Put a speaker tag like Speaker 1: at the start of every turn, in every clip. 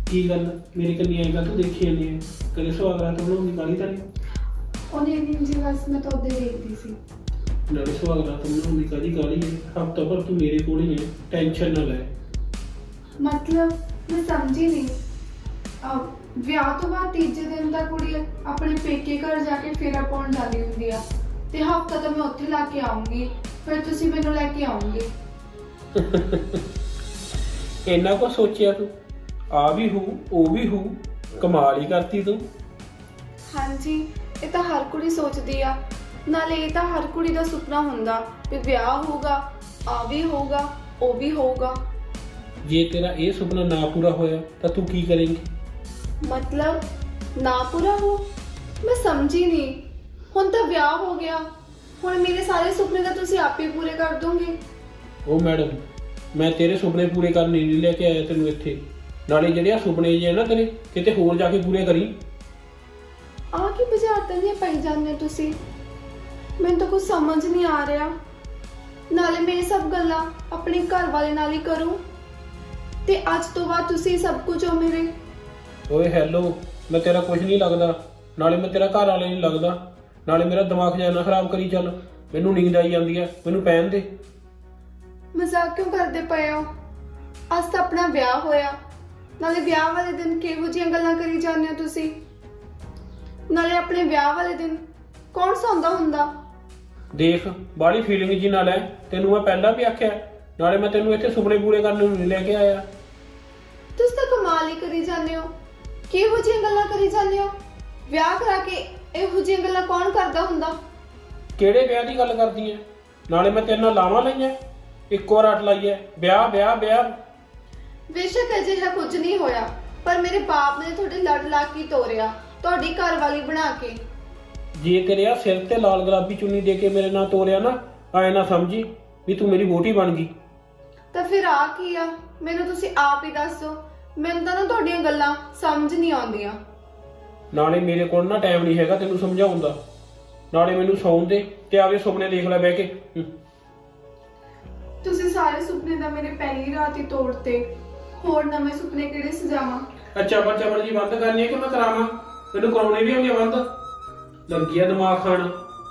Speaker 1: ਕੀ ਗੱਲ ਮੇਰੇ ਕੰਨੀ ਆਏਗਾ ਤੂੰ ਦੇਖੀ ਜਾਂਦੀ ਹੈ ਕਦੇ ਸੁਹਾਗ ਰਾਤ ਬਣਾਉਣ ਦੀ ਕਾਹਲੀ ਤਾਂ ਨਹੀਂ
Speaker 2: ਉਹਨੇ ਨਹੀਂ ਜੀ ਬਸ ਮੈਂ ਤਾਂ ਉਹਦੇ ਦੇਖਦੀ ਸੀ।
Speaker 1: ਨਾਲੇ ਸੁਹਾਗ ਰਾਤ ਬਣਾਉਣ ਦੀ ਕਾਹਲੀ ਹੈ ਹਫ਼ਤਾ ਭਰ ਤੂੰ ਮੇਰੇ ਕੋਲ ਹੀ ਹੈ ਟੈਨਸ਼ਨ ਨਾ ਲੈ।
Speaker 2: ਮਤਲਬ ਮੈਂ ਸਮਝੀ ਨਹੀਂ। ਵਿਆਹ ਤੋਂ ਬਾਅਦ ਤੀਜੇ ਦਿਨ ਦਾ ਕੁੜੀ ਆਪਣੇ ਪੇਕੇ ਘਰ ਜਾ ਕੇ ਫੇਰਾ ਪਾਉਣ ਜਾਂਦੀ ਹੁੰਦੀ ਆ ਤੇ ਹਫ਼ਤਾ ਤਾਂ ਮੈਂ ਉੱਥੇ ਲਾ ਕੇ ਆਉਂਗੀ, ਫਿਰ ਤੁਸੀਂ ਮੈਨੂੰ ਲੈ ਕੇ ਆਉਂਗੇ।
Speaker 1: ਇੰਨਾ ਕੁਛ ਸੋਚਿਆ ਤੂੰ? ਆ ਵੀ ਹੋ ਉਹ ਵੀ ਹੋ, ਕਮਾਲ ਹੀ ਕਰਤੀ ਤੂੰ।
Speaker 2: ਹਾਂਜੀ, ਇਹ ਤਾਂ ਹਰ ਕੁੜੀ ਸੋਚਦੀ ਆ। ਨਾਲੇ ਇਹ ਤਾਂ ਹਰ ਕੁੜੀ ਦਾ ਸੁਪਨਾ ਹੁੰਦਾ ਵੀ ਵਿਆਹ ਹੋਊਗਾ, ਆ ਵੀ ਹੋਊਗਾ, ਉਹ ਵੀ ਹੋਊਗਾ।
Speaker 1: ਜੇ ਤੇਰਾ ਇਹ ਸੁਪਨਾ ਨਾ ਪੂਰਾ ਹੋਇਆ ਤਾਂ ਤੂੰ ਕੀ ਕਰੇਂਗੀ?
Speaker 2: ਮਤਲਬ ਨਾ ਪੂਰਾ ਹੋ? ਮੈਂ ਸਮਝੀ ਨਹੀਂ। ਹੁਣ ਤਾਂ ਵਿਆਹ ਹੋ ਗਿਆ, ਹੁਣ ਮੇਰੇ ਸਾਰੇ ਸੁਪਨੇ ਤਾਂ ਤੁਸੀਂ ਆਪੇ ਪੂਰੇ ਕਰ ਦੋਗੇ।
Speaker 1: ਉਹ ਮੈਡਮ, ਮੈਂ ਤੇਰੇ ਸੁਪਨੇ ਪੂਰੇ ਕਰਨ ਨਹੀਂ ਲੈ ਕੇ ਆਇਆ ਤੈਨੂੰ ਇੱਥੇ। ਨਾਲੇ ਜਿਹੜੇ ਆ ਸੁਪਨੇ ਜੇ ਨਾ ਤੇਰੇ ਕਿਤੇ ਹੋਰ ਜਾ ਕੇ ਪੂਰੇ ਕਰੀ।
Speaker 2: ਆਹ ਕੀ ਬੁਝਾਰਤਾਂ ਦੀਆਂ ਪਾਈ ਜਾਂਦੇ ਹੋ ਤੁਸੀਂ? ਮੈਨੂੰ ਤਾਂ ਕੁਝ ਸਮਝ ਨਹੀਂ ਆ ਰਿਹਾ। ਨਾਲੇ ਮੈਂ ਇਹ ਸਭ ਗੱਲਾਂ ਆਪਣੇ ਘਰ ਵਾਲੇ ਨਾਲ ਹੀ ਕਰੂੰ ਤੇ ਅੱਜ ਤੋਂ ਬਾਅਦ ਤੁਸੀਂ ਸਭ ਕੁਝ ਹੋ ਮੇਰੇ।
Speaker 1: ਓਏ ਹੈਲੋ, ਮੈਂ ਤੇਰਾ ਕੁਝ ਨਹੀਂ ਲੱਗਦਾ, ਨਾਲੇ ਮੈਂ ਤੇਰਾ ਘਰ ਵਾਲੇ ਨਹੀਂ ਲੱਗਦਾ, ਨਾਲੇ ਮੇਰਾ ਦਿਮਾਗ ਜਿਹਾ ਨਾ ਖਰਾਬ ਕਰੀ ਚੱਲ। ਮੈਨੂੰ ਨੀਂਦ ਆਈ ਜਾਂਦੀ ਆ, ਮੈਨੂੰ ਪੈਣ ਦੇ।
Speaker 2: ਮਜ਼ਾਕ ਕਿਉਂ ਕਰਦੇ ਪਏ ਹੋ? ਅੱਜ ਤਾਂ ਆਪਣਾ ਵਿਆਹ ਹੋਇਆ, ਨਾਲੇ ਵਿਆਹ ਵਾਲੇ ਦਿਨ ਕਿਹੋ ਜਿਹੀਆਂ ਗੱਲਾਂ ਕਰੀ ਜਾਂਦੇ ਹੋ ਤੁਸੀਂ? ਨਾਲੇ ਆਪਣੇ ਵਿਆਹ ਵਾਲੇ ਦਿਨ ਕੌਣ ਸੌਂਦਾ ਹੁੰਦਾ?
Speaker 1: ਦੇਖ, ਬਾਹਲੀ ਫੀਲਿੰਗ ਜੀ ਨਾ ਲੈ, ਤੈਨੂੰ ਮੈਂ ਪਹਿਲਾਂ ਵੀ ਆਖਿਆ। ਨਾਲੇ ਮੈਂ ਤੈਨੂੰ ਇੱਥੇ ਸੁਪਨੇ ਪੂਰੇ ਕਰਨ ਨੂੰ ਨਹੀਂ ਲੈ ਕੇ ਆਇਆ।
Speaker 2: ਤੁਸੀਂ ਤਾਂ ਕਮਾਲ ਹੀ ਕਰੀ ਜਾਂਦੇ ਹੋ। ਕਿਹੋ ਜਿਹੀਆਂ ਗੱਲਾਂ ਕਰੀ ਜਾਂਦੇ ਹੋ? ਵਿਆਹ ਕਰਾ ਕੇ ਇਹੋ ਜਿਹੀਆਂ ਗੱਲਾਂ ਕੌਣ ਕਰਦਾ ਹੁੰਦਾ?
Speaker 1: ਕਿਹੜੇ ਵਿਆਹ ਦੀ ਗੱਲ ਕਰਦੀ ਐ? ਨਾਲੇ ਮੈਂ ਤੇਰੇ ਨਾਲ ਲਾਵਾਂ ਲਈਆਂ, ਇੱਕੋ ਰੱਟ ਲਾਈ ਐ, ਵਿਆਹ ਵਿਆਹ ਵਿਆਹ।
Speaker 2: ਬੇਸ਼ੱਕ ਅਜਿਹਾ ਕੁਝ ਨਹੀਂ ਹੋਇਆ, ਪਰ ਮੇਰੇ ਬਾਪ ਨੇ ਤੁਹਾਡੇ ਲੜ ਲਾ ਕੇ ਤੋਰਿਆ, ਤੁਹਾਡੀ ਘਰ ਵਾਲੀ ਬਣਾ ਕੇ।
Speaker 1: ਜੇ ਤੇਰੇ ਆ ਸਿਰ ਤੇ ਲਾਲ ਗੁਲਾਬੀ ਚੁੰਨੀ ਦੇ ਕੇ ਮੇਰੇ ਨਾਲ ਤੋਰਿਆ ਨਾ, ਆਏ ਨਾ ਸਮਝੀ ਵੀ ਤੂੰ ਮੇਰੀ ਵਹੁਟੀ ਬਣ ਗਈ।
Speaker 2: ਤਾਂ ਫਿਰ ਆ ਕੀ ਆ? ਮੈਨੂੰ ਤੁਸੀਂ ਆਪ ਹੀ ਦੱਸੋ। ਮੈਨੂੰ ਤਾਂ ਨਾ ਤੁਹਾਡੀਆਂ ਗੱਲਾਂ ਸਮਝ ਨਹੀਂ ਆਉਂਦੀਆਂ।
Speaker 1: ਨਾਲੇ ਮੇਰੇ ਕੋਲ ਨਾ ਟਾਈਮ ਨਹੀਂ ਹੈਗਾ ਤੈਨੂੰ ਸਮਝਾਉਣ ਦਾ। ਨਾਲੇ ਮੈਨੂੰ ਸੌਣ ਦੇ ਤੇ ਆਵੇ ਸੁਪਨੇ ਦੇਖ ਲੈ ਬਹਿ ਕੇ।
Speaker 2: ਤੁਸੀਂ ਸਾਰੇ ਸੁਪਨੇ ਤਾਂ ਮੇਰੇ ਪਹਿਲੀ ਰਾਤ ਹੀ ਤੋੜਤੇ। ਹੋਰ ਨਵੇਂ ਸੁਪਨੇ ਕਿਹੜੇ ਸਜਾਵਾਂ?
Speaker 1: ਅੱਛਾ ਬੱਚਾ ਜੀ ਬੰਦ ਕਰਨੀ ਹੈ ਕਿ ਮੈਂ ਕਰਾਵਾਂ? ਮੈਨੂੰ ਕਰਾਉਣੇ ਵੀ ਹੁੰਦੇ ਬੰਦ। ਲੱਗੀ ਆ ਦਿਮਾਗ ਖਾਣ।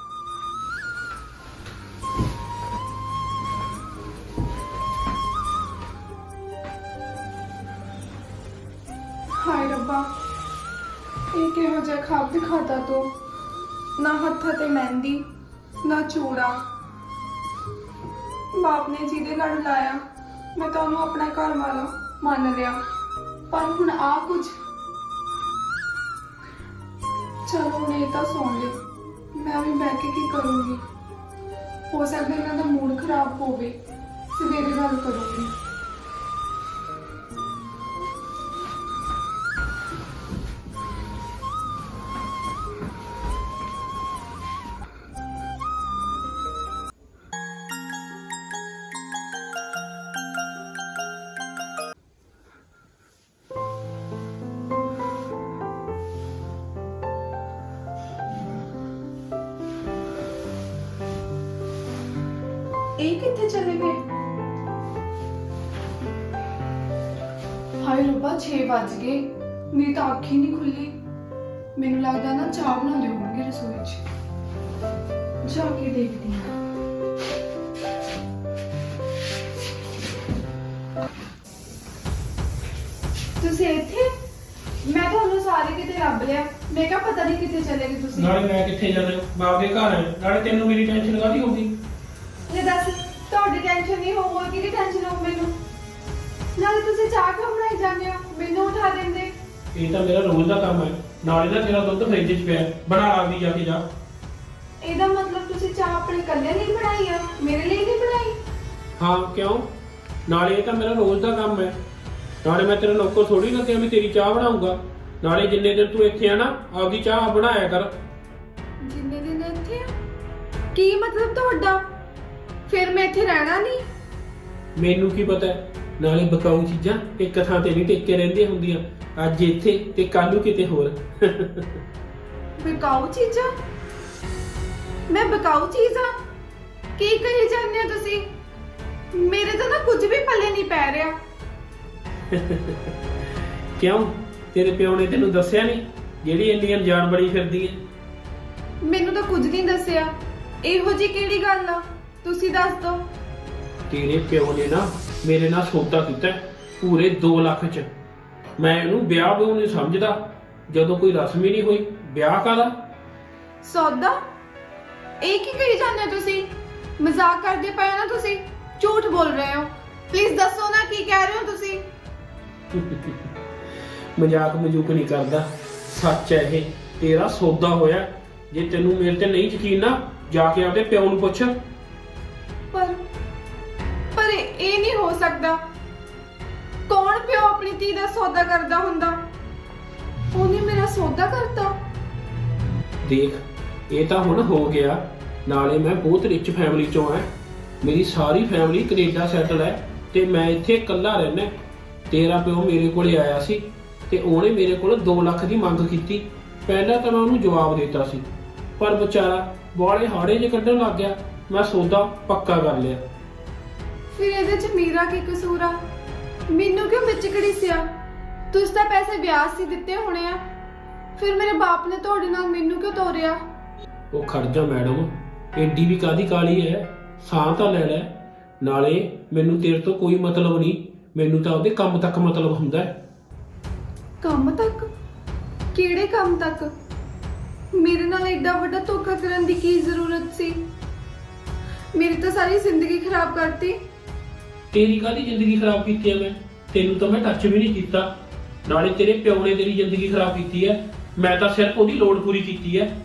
Speaker 2: ਹਾਏ ਰੱਬਾ, ਇਹ ਕਿਹੋ ਜਿਹਾ ਖਾਬ ਦਿਖਾਤਾ ਤੂੰ? ਨਾ ਹੱਥਾਂ ਤੇ ਮਹਿੰਦੀ, ਨਾ ਚੂੜਾ। ਬਾਪ ਨੇ ਜਿਹਦੇ ਲੜ ਲਾਇਆ, ਮੈਂ ਤਾਂ ਉਹਨੂੰ ਆਪਣਾ ਘਰ ਵਾਲਾ ਮੰਨ ਲਿਆ, ਪਰ ਹੁਣ ਆ ਕੁਝ। ਚਲੋ ਹੁਣ ਇਹ ਤਾਂ ਸੌਂ ਗਏ, ਮੈਂ ਵੀ ਬਹਿ ਕੇ ਕੀ ਕਰੂੰਗੀ? ਹੋ ਸਕਦਾ ਇਹਨਾਂ ਦਾ ਮੂਡ ਖਰਾਬ ਹੋਵੇ, ਸਵੇਰੇ ਗੱਲ ਕਰੂੰਗੀ। ਇਹ ਕਿੱਥੇ ਚਲੇ ਗਏ? ਹਾਏ ਰੱਬਾ, 6 ਵੱਜ ਗਏ, ਮੇਰੀ ਤਾਂ ਅੱਖ ਹੀ ਨਹੀਂ ਖੁੱਲੀ। ਮੈਨੂੰ ਲੱਗਦਾ ਨਾ ਚਾਹ ਬਣਾਉਂਦੇ ਹੋਣਗੇ ਰਸੋਈ 'ਚ। ਜਾ ਕੇ ਦੇਖਦੀ ਹਾਂ। ਤੁਸੀਂ ਇੱਥੇ? ਮੈਂ ਤੁਹਾਨੂੰ ਸਾਰੇ ਕਿਤੇ ਲੱਭ ਲਿਆ। ਮੈਂ ਕਿਹਾ ਪਤਾ ਨਹੀਂ ਕਿੱਥੇ ਚਲੇ ਗਏ ਤੁਸੀਂ।
Speaker 1: ਨਾਲੇ ਮੈਂ ਕਿੱਥੇ ਜਾਣਾ? ਮੈਂ ਆਪਦੇ ਘਰ ਆਇਆ। ਨਾਲੇ ਤੈਨੂੰ ਮੇਰੀ ਟੈਨਸ਼ਨ ਕਾਹਦੀ ਹੋਊਗੀ?
Speaker 2: ਇਹ ਦੱਸ, ਤੁਹਾਡੀ ਟੈਨਸ਼ਨ ਨਹੀਂ ਹੋਊਗਾ, ਕਿਹਦੀ ਟੈਨਸ਼ਨ ਹੋਊ ਮੈਨੂੰ? ਨਾਲੇ ਤੁਸੀਂ ਚਾਹ ਕਿਉਂ ਬਣਾਈ ਜਾਂਦੇ ਹੋ? ਮੈਨੂੰ ਉਠਾ ਦਿੰਦੇ।
Speaker 1: ਇਹ ਤਾਂ ਮੇਰਾ ਰੋਜ਼ ਦਾ ਕੰਮ ਹੈ। ਨਾਲੇ ਨਾ ਤੇਰਾ ਦੁੱਧ ਫ੍ਰਿਜ 'ਚ ਪਿਆ, ਬਣਾ ਆਪਦੀ ਜਾ ਕੇ ਜਾ।
Speaker 2: ਇਹਦਾ ਮਤਲਬ ਤੁਸੀਂ ਚਾਹ ਆਪਣੇ ਇਕੱਲੇ ਲਈ ਬਣਾਈ ਆ, ਮੇਰੇ ਲਈ ਨਹੀਂ ਬਣਾਈ?
Speaker 1: ਹਾਂ ਕਿਉਂ? ਨਾਲੇ ਇਹ ਤਾਂ ਮੇਰਾ ਰੋਜ਼ ਦਾ ਕੰਮ ਹੈ। ਨਾਲੇ ਮੈਂ ਤੇਰੇ ਨੌਕਰ ਥੋੜੀ ਨਾ ਕਿ ਮੈਂ ਤੇਰੀ ਚਾਹ ਬਣਾਉਂਗਾ। ਨਾਲੇ ਜਿੰਨੇ ਦਿਨ ਤੂੰ ਇੱਥੇ ਆ ਨਾ, ਆਪਦੀ ਚਾਹ ਬਣਾਇਆ ਕਰ।
Speaker 2: ਜਿੰਨੇ ਦਿਨ ਇੱਥੇ ਆ? ਕੀ ਮਤਲਬ ਤੁਹਾਡਾ? ਫਿਰ ਮੈਂ ਇੱਥੇ ਰਹਿਣਾ ਨਹੀਂ?
Speaker 1: ਮੈਨੂੰ ਕੀ ਪਤਾ? ਨਾਲੇ ਬਕਾਊ ਚੀਜ਼ਾਂ ਇੱਕ ਥਾਂ ਤੇ ਨਹੀਂ ਟਿਕ ਕੇ ਰਹਿੰਦੀਆਂ ਹੁੰਦੀਆਂ। ਅੱਜ ਇੱਥੇ ਤੇ ਕੱਲ ਨੂੰ ਕਿਤੇ ਹੋਰ।
Speaker 2: ਬਕਾਊ ਚੀਜ਼ਾਂ? ਮੈਂ ਬਕਾਊ ਚੀਜ਼ ਆ? ਕੀ ਕਹੀ ਜਾਂਦੇ ਹੋ ਤੁਸੀਂ? ਮੇਰੇ ਤਾਂ ਨਾ ਕੁਝ ਵੀ ਪੱਲੇ ਨਹੀਂ ਪੈ ਰਿਹਾ।
Speaker 1: ਕਿਉਂ ਤੇਰੇ ਪਿਓ ਨੇ ਤੈਨੂੰ ਦੱਸਿਆ ਨਹੀਂ ਜਿਹੜੀ ਇੰਨੀ ਅਣਜਾਣ ਬਣੀ ਫਿਰਦੀ ਹੈ?
Speaker 2: ਮੈਨੂੰ ਤਾਂ ਕੁਝ ਨਹੀਂ ਦੱਸਿਆ। ਇਹੋ ਜੀ ਕਿਹੜੀ ਗੱਲ ਆ, ਤੁਸੀਂ ਦੱਸ ਦਿਓ।
Speaker 1: ਤੇਰੇ ਪਿਓ ਨੇ ਨਾ ਮੇਰੇ ਨਾਲ ਸੌਦਾ ਕੀਤਾ ਪੂਰੇ 2 ਲੱਖ ਚ। ਮੈਂ ਇਹਨੂੰ ਵਿਆਹ ਵੀ ਨਹੀਂ ਸਮਝਦਾ ਜਦੋਂ ਕੋਈ ਰਸਮ ਹੀ ਨਹੀਂ ਹੋਈ। ਵਿਆਹ ਕਾਹਦਾ?
Speaker 2: ਸੌਦਾ? ਇਹ ਕੀ ਕਹੀ ਜਾਂਦੇ ਹੋ ਤੁਸੀਂ? ਮਜ਼ਾਕ ਕਰਦੇ ਪਏ ਹੋ ਨਾ ਤੁਸੀਂ? ਝੂਠ ਬੋਲ ਰਹੇ ਹੋ। ਪਲੀਜ਼ ਦੱਸੋ ਨਾ ਕੀ ਕਹਿ ਰਹੇ ਹੋ ਤੁਸੀਂ?
Speaker 1: ਮਜ਼ਾਕ ਮਜੂਕ ਨਹੀਂ ਕਰਦਾ, ਸੱਚ ਹੈ ਇਹ। ਤੇਰਾ ਸੌਦਾ ਹੋਇਆ। ਜੇ ਤੈਨੂੰ ਮੇਰੇ ਤੇ ਨਹੀਂ ਯਕੀਨ ਨਾ ਜਾ ਕੇ ਆਪਦੇ ਪਿਓ ਨੂੰ ਪੁੱਛ।
Speaker 2: ਪਰ ਇਹ ਨਹੀਂ ਹੋ ਸਕਦਾ। ਕੌਣ ਪਿਓ ਆਪਣੀ ਧੀ ਦਾ ਸੌਦਾ ਕਰਦਾ ਹੁੰਦਾ? ਉਹਨੇ ਮੇਰਾ ਸੌਦਾ ਕਰਤਾ।
Speaker 1: ਦੇਖ, ਇਹ ਤਾਂ ਹੁਣ ਹੋ ਗਿਆ। ਨਾਲੇ ਮੈਂ ਬਹੁਤ ਰਿਚ ਫੈਮਿਲੀ ਚੋਂ ਆ। ਮੇਰੀ ਸਾਰੀ ਫੈਮਿਲੀ ਕੈਨੇਡਾ ਸੈਟਲ ਹੈ ਤੇ ਮੈਂ ਇੱਥੇ ਇਕੱਲਾ ਰਹਿਣਾ। ਤੇਰਾ ਪਿਓ ਮੇਰੇ ਕੋਲੇ ਆਇਆ ਸੀ ਤੇ ਉਹਨੇ ਮੇਰੇ ਕੋਲ 2 ਲੱਖ ਦੀ ਮੰਗ ਕੀਤੀ। ਪਹਿਲਾਂ ਤਾਂ ਮੈਂ ਉਹਨੂੰ ਜਵਾਬ ਦਿੱਤਾ ਸੀ, ਪਰ ਵਿਚਾਰਾ ਬਾਲੇ ਹਾੜੇ ਜਿਹੇ ਕੱਢਣ ਲੱਗ ਗਿਆ। ਮੈਂ ਸੌਦਾ ਪੱਕਾ ਕਰ ਲਿਆ।
Speaker 2: ਫਿਰ ਇਹਦੇ ਚ ਮੇਰਾ ਕੀ ਕਸੂਰ ਆ? ਮੈਨੂੰ ਕਿਉਂ ਵਿੱਚ ਘੜੀਸਿਆ? ਤੁਸੀਂ ਤਾਂ ਪੈਸੇ ਵਿਆਜ ਸੀ ਦਿੱਤੇ ਹੋਣੇ ਆ। ਫਿਰ ਮੇਰੇ ਬਾਪ ਨੇ ਤੁਹਾਡੇ ਨਾਲ ਮੈਨੂੰ ਕਿਉਂ ਤੋਰਿਆ?
Speaker 1: ਉਹ ਖੜ ਜਾ ਮੈਡਮ, ਏਡੀ ਵੀ ਕਾਦੀ ਕਾਲੀ ਹੈ? ਸਾਹ ਤਾਂ ਲੈ ਲੈ। ਨਾਲੇ ਮੈਨੂੰ ਤੇਰੇ ਤੋਂ ਕੋਈ ਮਤਲਬ ਨਹੀਂ, ਮੈਨੂੰ ਤਾਂ ਉਹਦੇ ਕੰਮ ਤੱਕ ਮਤਲਬ ਹੁੰਦਾ ਹੈ।
Speaker 2: ਕੰਮ ਤੱਕ? ਕਿਹੜੇ ਕੰਮ ਤੱਕ? ਮੇਰੇ ਨਾਲ ਐਡਾ ਵੱਡਾ ਧੋਖਾ ਕਰਨ ਦੀ ਕੀ ਜ਼ਰੂਰਤ ਸੀ? ਮੇਰੀ ਤਾਂ ਸਾਰੀ ਜ਼ਿੰਦਗੀ ਖਰਾਬ ਕਰਤੀ।
Speaker 1: ਤੇਰੀ ਕਾਹਦੀ ਜ਼ਿੰਦਗੀ ਖਰਾਬ ਕੀਤੀ ਹੈ? ਤੈਨੂੰ ਤਾਂ ਮੈਂ ਟੱਚ ਵੀ ਨਹੀਂ ਕੀਤਾ। ਨਾਲੇ ਤੇਰੇ ਪਿਓ ਨੇ ਤੇਰੀ ਜ਼ਿੰਦਗੀ ਖਰਾਬ ਕੀਤੀ ਹੈ। ਮੈਂ ਤਾਂ ਸਿਰਫ ਉਹਦੀ ਲੋੜ ਪੂਰੀ ਕੀਤੀ ਹੈ।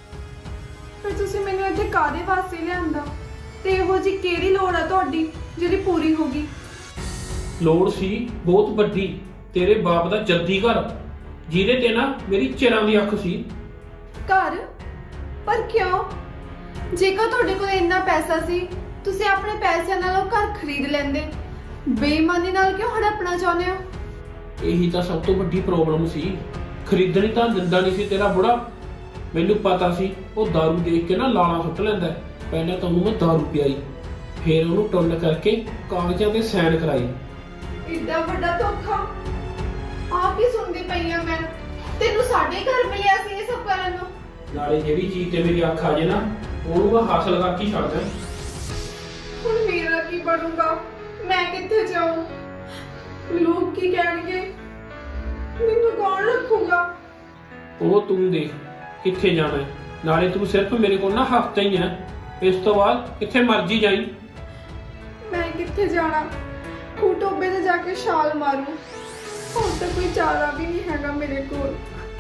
Speaker 2: ਫਿਰ ਤੁਸੀਂ ਮੈਨੂੰ ਇੱਥੇ ਕਾਹਦੇ ਵਾਸਤੇ ਲਿਆਂਦਾ? ਤੇ ਇਹੋ ਜੀ ਕਿਹੜੀ ਲੋੜ ਆ ਤੁਹਾਡੀ ਜਿਹੜੀ ਪੂਰੀ ਹੋ ਗਈ?
Speaker 1: ਲੋੜ ਸੀ ਬਹੁਤ ਵੱਡੀ, ਤੇਰੇ ਬਾਪ ਦਾ ਜੱਦੀ ਘਰ, ਜਿਹਦੇ ਤੇ ਨਾ ਮੇਰੀ ਚਿਰਾਂ ਦੀ ਅੱਖ ਸੀ।
Speaker 2: ਘਰ? ਪਰ ਕਿਉਂ? ਜੇਕਰ ਤੁਹਾਡੇ ਕੋਲ ਇੰਨਾ ਪੈਸਾ ਸੀ, ਤੁਸੀਂ ਆਪਣੇ ਪੈਸਿਆਂ ਨਾਲ ਉਹ ਘਰ ਖਰੀਦ ਲੈਂਦੇ। ਬੇਈਮਾਨੀ ਨਾਲ ਕਿਉਂ ਹੜਪਣਾ ਚਾਹੁੰਦੇ ਹੋ?
Speaker 1: ਇਹੀ ਤਾਂ ਸਭ ਤੋਂ ਵੱਡੀ ਪ੍ਰੋਬਲਮ ਸੀ। ਖਰੀਦਣੀ ਤਾਂ ਦਿੰਦਾ ਨਹੀਂ ਸੀ ਤੇਰਾ ਬੁੜਾ। ਮੈਨੂੰ ਪਤਾ ਸੀ ਉਹ ਦਾਰੂ ਦੇਖ ਕੇ ਨਾ ਲਾਲਾ ਸੁੱਟ ਲੈਂਦਾ। ਪਹਿਲਾਂ ਤਾਂ ਉਹਨੂੰ ਮੈਂ ਦਾਰੂ ਪਿਆਈ, ਫਿਰ ਉਹਨੂੰ ਟੁੰਨ ਕਰਕੇ ਕਾਗਜ਼ਾਂ ਤੇ ਸਾਈਨ ਕਰਾਈ।
Speaker 2: ਇੱਡਾ ਵੱਡਾ ਧੋਖਾ ਆਪ ਹੀ ਸੁਣਦੀ ਪਈ ਆ ਮੈਂ। ਤੈਨੂੰ ਸਾਡੇ ਘਰ ਮਿਲਿਆ ਸੀ ਇਹ ਸਭ ਕਰਨ ਨੂੰ?
Speaker 1: ਨਾਲੇ ਜਿਹੜੀ ਚੀਜ਼ ਤੇ ਮੇਰੀ ਅੱਖ ਆ ਜੇ ਨਾ, ਉਹਨੂੰ ਮੈਂ ਹਾਸਲ ਕਰਕੇ ਹੀ ਛੱਡਦਾ।
Speaker 2: ਹੁਣ ਮੇਰਾ ਕੀ ਬਣੂਗਾ? ਮੈਂ ਕਿੱਥੇ ਜਾਊਂ? ਲੋਕ ਕੀ ਕਹਿਣਗੇ? ਮੈਨੂੰ ਕੌਣ ਰੱਖੂਗਾ?
Speaker 1: ਉਹ ਤੂੰ ਦੇਖ ਕਿੱਥੇ ਜਾਣਾ ਹੈ। ਨਾਲੇ ਤੂੰ ਸਿਰਫ ਮੇਰੇ ਕੋਲ ਨਾ ਹਫ਼ਤਾ ਹੀ ਹੈ। ਇਸ ਤੋਂ ਬਾਅਦ ਕਿੱਥੇ ਮਰਜੀ ਜਾਈ।
Speaker 2: ਮੈਂ ਕਿੱਥੇ ਜਾਣਾ? ਖੂਟੋਬੇ ਤੇ ਜਾ ਕੇ ਛਾਲ ਮਾਰੂ। ਹੋਰ ਤਾਂ ਕੋਈ ਚਾਰਾ ਵੀ ਨਹੀਂ ਹੈਗਾ ਮੇਰੇ ਕੋਲ।